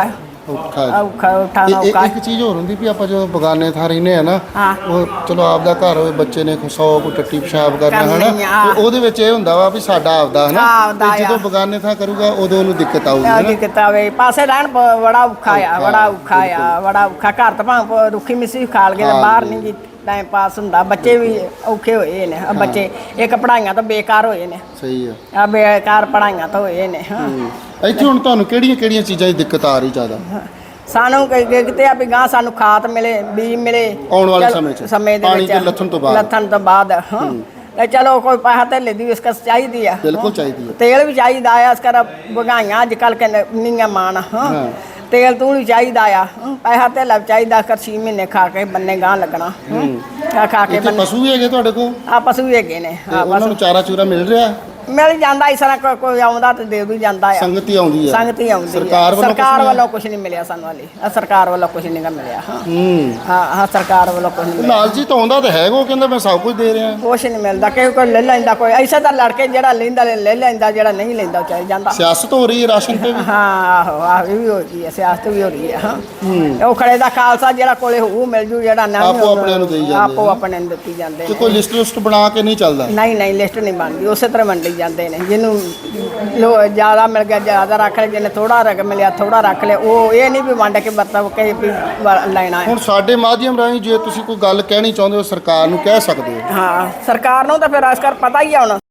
ਔਖਾ ਹੈ। ਔਖਾ ਉਠਾਣਾ ਇਹ- ਔਖਾ ਇਹ- ਇੱਕ ਚੀਜ਼ ਹੋਰ ਹੁੰਦੀ ਵੀ ਆਪਾਂ ਜਦੋਂ ਬਗਾਨੇ ਥਾਂ ਰਹਿੰਦੇ ਆ ਨਾ ਹਾਂ। ਉਹ ਚਲੋ ਆਪਦਾ ਘਰ ਹੋਵੇ, ਬੱਚੇ ਨੇ ਸੌ ਕੋ ਟੱਟੀ ਪਿਸ਼ਾਬ ਕਰਨਾ ਕਰਨੀ ਹਨਾ ਆ। ਤੇ ਉਹਦੇ ਵਿੱਚ ਇਹ ਹੁੰਦਾ ਵਾ ਵੀ ਸਾਡਾ ਆਪਦਾ ਹਨਾ ਆਪਦਾ ਤੇ ਜਦੋਂ ਆ। ਬਗਾਨੇ ਥਾਂ ਕਰੂਗਾ ਉਦੋਂ ਉਹਨੂੰ ਦਿੱਕਤ ਆਊਗੀ ਆ ਹਨਾ। ਕੀ ਕੀਤਾ ਵੇ ਪਾਸੇ ਰਹਿਣ ਬ- ਬੜਾ ਔਖਾ ਆ ਬੜਾ ਔਖਾ ਆ ਬੜਾ ਔਖਾ ਘਰ ਤਾਂ ਭਾਵੇਂ ਰੁੱਖੀ ਮਿੱਸੀ ਖਾ ਲਗੇ ਤੇ ਬਾਹਰ ਨਹੀਂ ਗੀ ਟਾਈਮ ਪਾਸ ਹੁੰਦਾ ਬੱਚੇ ਵੀ ਔਖੇ ਹੋਏ ਨੇ ਆਹ ਬੱਚੇ ਇੱਕ ਪੜਾਈਆਂ ਤਾਂ ਬੇਕਾਰ ਹੋਏ ਨੇ ਸਹੀ ਆ। ਆ ਬੇਕਾਰ ਪੜਾਈਆਂ ਤਾਂ ਹੋਏ ਨੇ ਹਾਂ ਇੱਥੇ ਹੁਣ ਤੁਹਾਨੂੰ ਕਿਹੜੀਆਂ ਕਿਹੜੀਆਂ ਚੀਜ਼ਾਂ ਦੀ ਦਿੱਕਤ ਆ ਰਹੀ ਜ਼ਿਆਦਾ? ਸਾਨੂੰ ਕਿ- ਕਿ- ਕਿਤੇ ਆ ਵੀ ਗਾਂ ਸਾਨੂੰ ਖਾਦ ਮਿਲੇ ਬੀਜ ਮਿਲੇ ਆਉਣ ਵਾਲੇ ਚਲੋ, ਸਮੇਂ 'ਚ। ਸਮੇਂ ਦੇ ਪਾਣੀ ਵਿੱਚ ਦੇ ਲੱਥਣ ਤੋਂ ਬਾਅਦ। ਲੱਥਣ ਤੋਂ ਬਾਅਦ ਹਾਂ ਤੇ ਚਲੋ ਕੋਈ ਪੈਸਾ ਧੇਲੇ ਦੀ ਇਸ ਕਸ ਚਾਹੀਦੀ ਆ ਬਿਲਕੁਲ ਹਾਂ। ਚਾਹੀਦੀ ਆ। ਤੇਲ ਵੀ ਚਾਹੀਦਾ ਆ ਇਸ ਕਰ ਵਗਾਈਆਂ ਅੱਜ ਕੱਲ ਕਹਿੰਦੇ ਨੀਆਂ ਮਾਣ ਹਾਂ ਹਾਂ। ਤੇਲ ਤੂੰ ਵੀ ਚਾਹੀਦਾ ਆ ਹਾਂ, ਪੈਸਾ ਧੇਲਾ ਵੀ ਚਾਹੀਦਾ ਕਰ ਛੇ ਮਹੀਨੇ ਖਾ ਕੇ ਬੰਨੇ ਗਾਂ ਲੱਗਣਾ ਹਾਂ। ਖਾ ਖਾ ਕੇ ਇੱਥੇ ਬੰਨੇ ਪਸ਼ੂ ਵੀ ਹੈਗੇ ਤੁਹਾਡੇ ਕੋਲ? ਆ ਪਸ਼ੂ ਵੀ ਹੈਗੇ ਨੇ ਤੇ ਆ ਉਹਨਾਂ ਪਸ਼ੂ ਨੂੰ ਚਾਰਾ ਚੂਰਾ ਮਿਲ ਰਿਹਾ? ਮਿਲ ਜਾਂਦਾ ਇਸ ਤਰ੍ਹਾਂ ਕੋਈ- ਕੋਈ ਆਉਂਦਾ ਤੇ ਦੇ ਵੀ ਜਾਂਦਾ ਆ ਸੰਗਤ ਹੀ ਆਉਂਦੀ ਆ? ਸੰਗਤ ਹੀ ਆਉਂਦੀ ਆ। ਸਰਕਾਰ ਵੱਲੋਂ ਕੁਛ ਸਰਕਾਰ ਨਹੀਂ? ਵੱਲੋਂ ਕੁਝ ਨਹੀਂ ਮਿਲਿਆ ਸਾਨੂੰ ਹਾਲੇ ਆ ਸਰਕਾਰ ਵੱਲੋਂ ਕੁਝ ਨਹੀਂ ਗਾ ਮਿਲਿਆ ਹਾਂ ਹੂੰ। ਹਾਂ ਹਾਂ ਸਰਕਾਰ ਵੱਲੋਂ ਕੁਝ ਨਹੀਂ ਮਿਲਿਆ ਲਾਲ ਜੀ ਤਾਂ ਆਉਂਦਾ ਤਾਂ ਹੈਗਾ, ਉਹ ਕਹਿੰਦਾ ਮੈਂ ਸਭ ਕੁਝ ਦੇ ਰਿਹਾ। ਕੁਛ ਨਹੀਂ ਮਿਲਦਾ ਕਿ ਕੋਈ ਲੈ ਲੈਂਦਾ ਕੋਈ ਐਸਾ ਤਾਂ ਲੜਕੇ ਜਿਹੜਾ ਲੈਂਦਾ ਲੈ ਲੈ ਲੈਂਦਾ ਜਿਹੜਾ ਨਹੀਂ ਲੈਂਦਾ ਉਹ ਚੱਲ ਜਾਂਦਾ ਸਿਆਸਤ ਹੋ ਰਹੀ ਹੈ ਰਾਸ਼ਨ ਤੇ ਵੀ। ਹਾਂ ਆਹੋ ਆਹ ਇਹ ਵੀ ਹੋ ਰਹੀ ਹੈ ਸਿਆਸਤ ਵੀ ਹੋ ਰਹੀ ਹੈ ਹਾਂ ਉਹ ਖੜੇ ਦਾ ਖਾਲਸਾ ਜਿਹੜਾ ਕੋਲੇ ਹੋਊ ਮਿਲ ਜੂ ਜਿਹੜਾ ਨਹੀਂ ਆਪੋ ਆਪਣਿਆਂ ਨੂੰ ਦੇਈ ਜਾਂਦੇ ਆਪੋ ਨੇ। ਆਪਣੇ ਨੂੰ ਦਿੱਤੀ ਜਾਂਦੇ ਤੇ ਨੇ ਕੋਈ ਲਿਸਟ ਲਿਸਟ ਬਣਾ ਕੇ ਨਹੀਂ ਚੱਲਦਾ? ਨਹੀਂ ਨਹੀਂ ਲਿਸਟ ਨਹੀਂ ਬਣਦੀ ਉਸੇ ਤਰ੍ਹਾਂ ਵੰਡੀ ਜਾਂਦੇ ਨੇ ਜਿਹਨੂੰ ਲੋ ਜ਼ਿਆਦਾ ਮਿਲ ਗਿਆ ਜ਼ਿਆਦਾ ਰੱਖ ਲਿਆ ਜਿਹਨੇ ਥੋੜਾ ਰੱਖ ਮਿਲਿਆ ਥੋੜਾ ਰੱਖ ਲਿਆ ਉਹ ਇਹ ਨਹੀਂ ਵੀ ਵੰਡ ਕੇ ਵਰਤੋਂ ਕੇ ਵੀ ਵ- ਲੈਣਾ ਹੈ ਹੁਣ ਸਾਡੇ ਮਾਧਿਅਮ ਰਾਹੀਂ ਜੇ ਤੁਸੀਂ ਕੋਈ ਗੱਲ ਕਹਿਣੀ ਚਾਹੁੰਦੇ ਹੋ ਸਰਕਾਰ ਨੂੰ ਕਹਿ ਸਕਦੇ ਹੋ। ਹਾਂ ਸਰਕਾਰ ਨੂੰ ਤਾਂ ਫਿਰ ਅਸਕਰ ਪਤਾ ਹੀ ਆ ਹੁਣ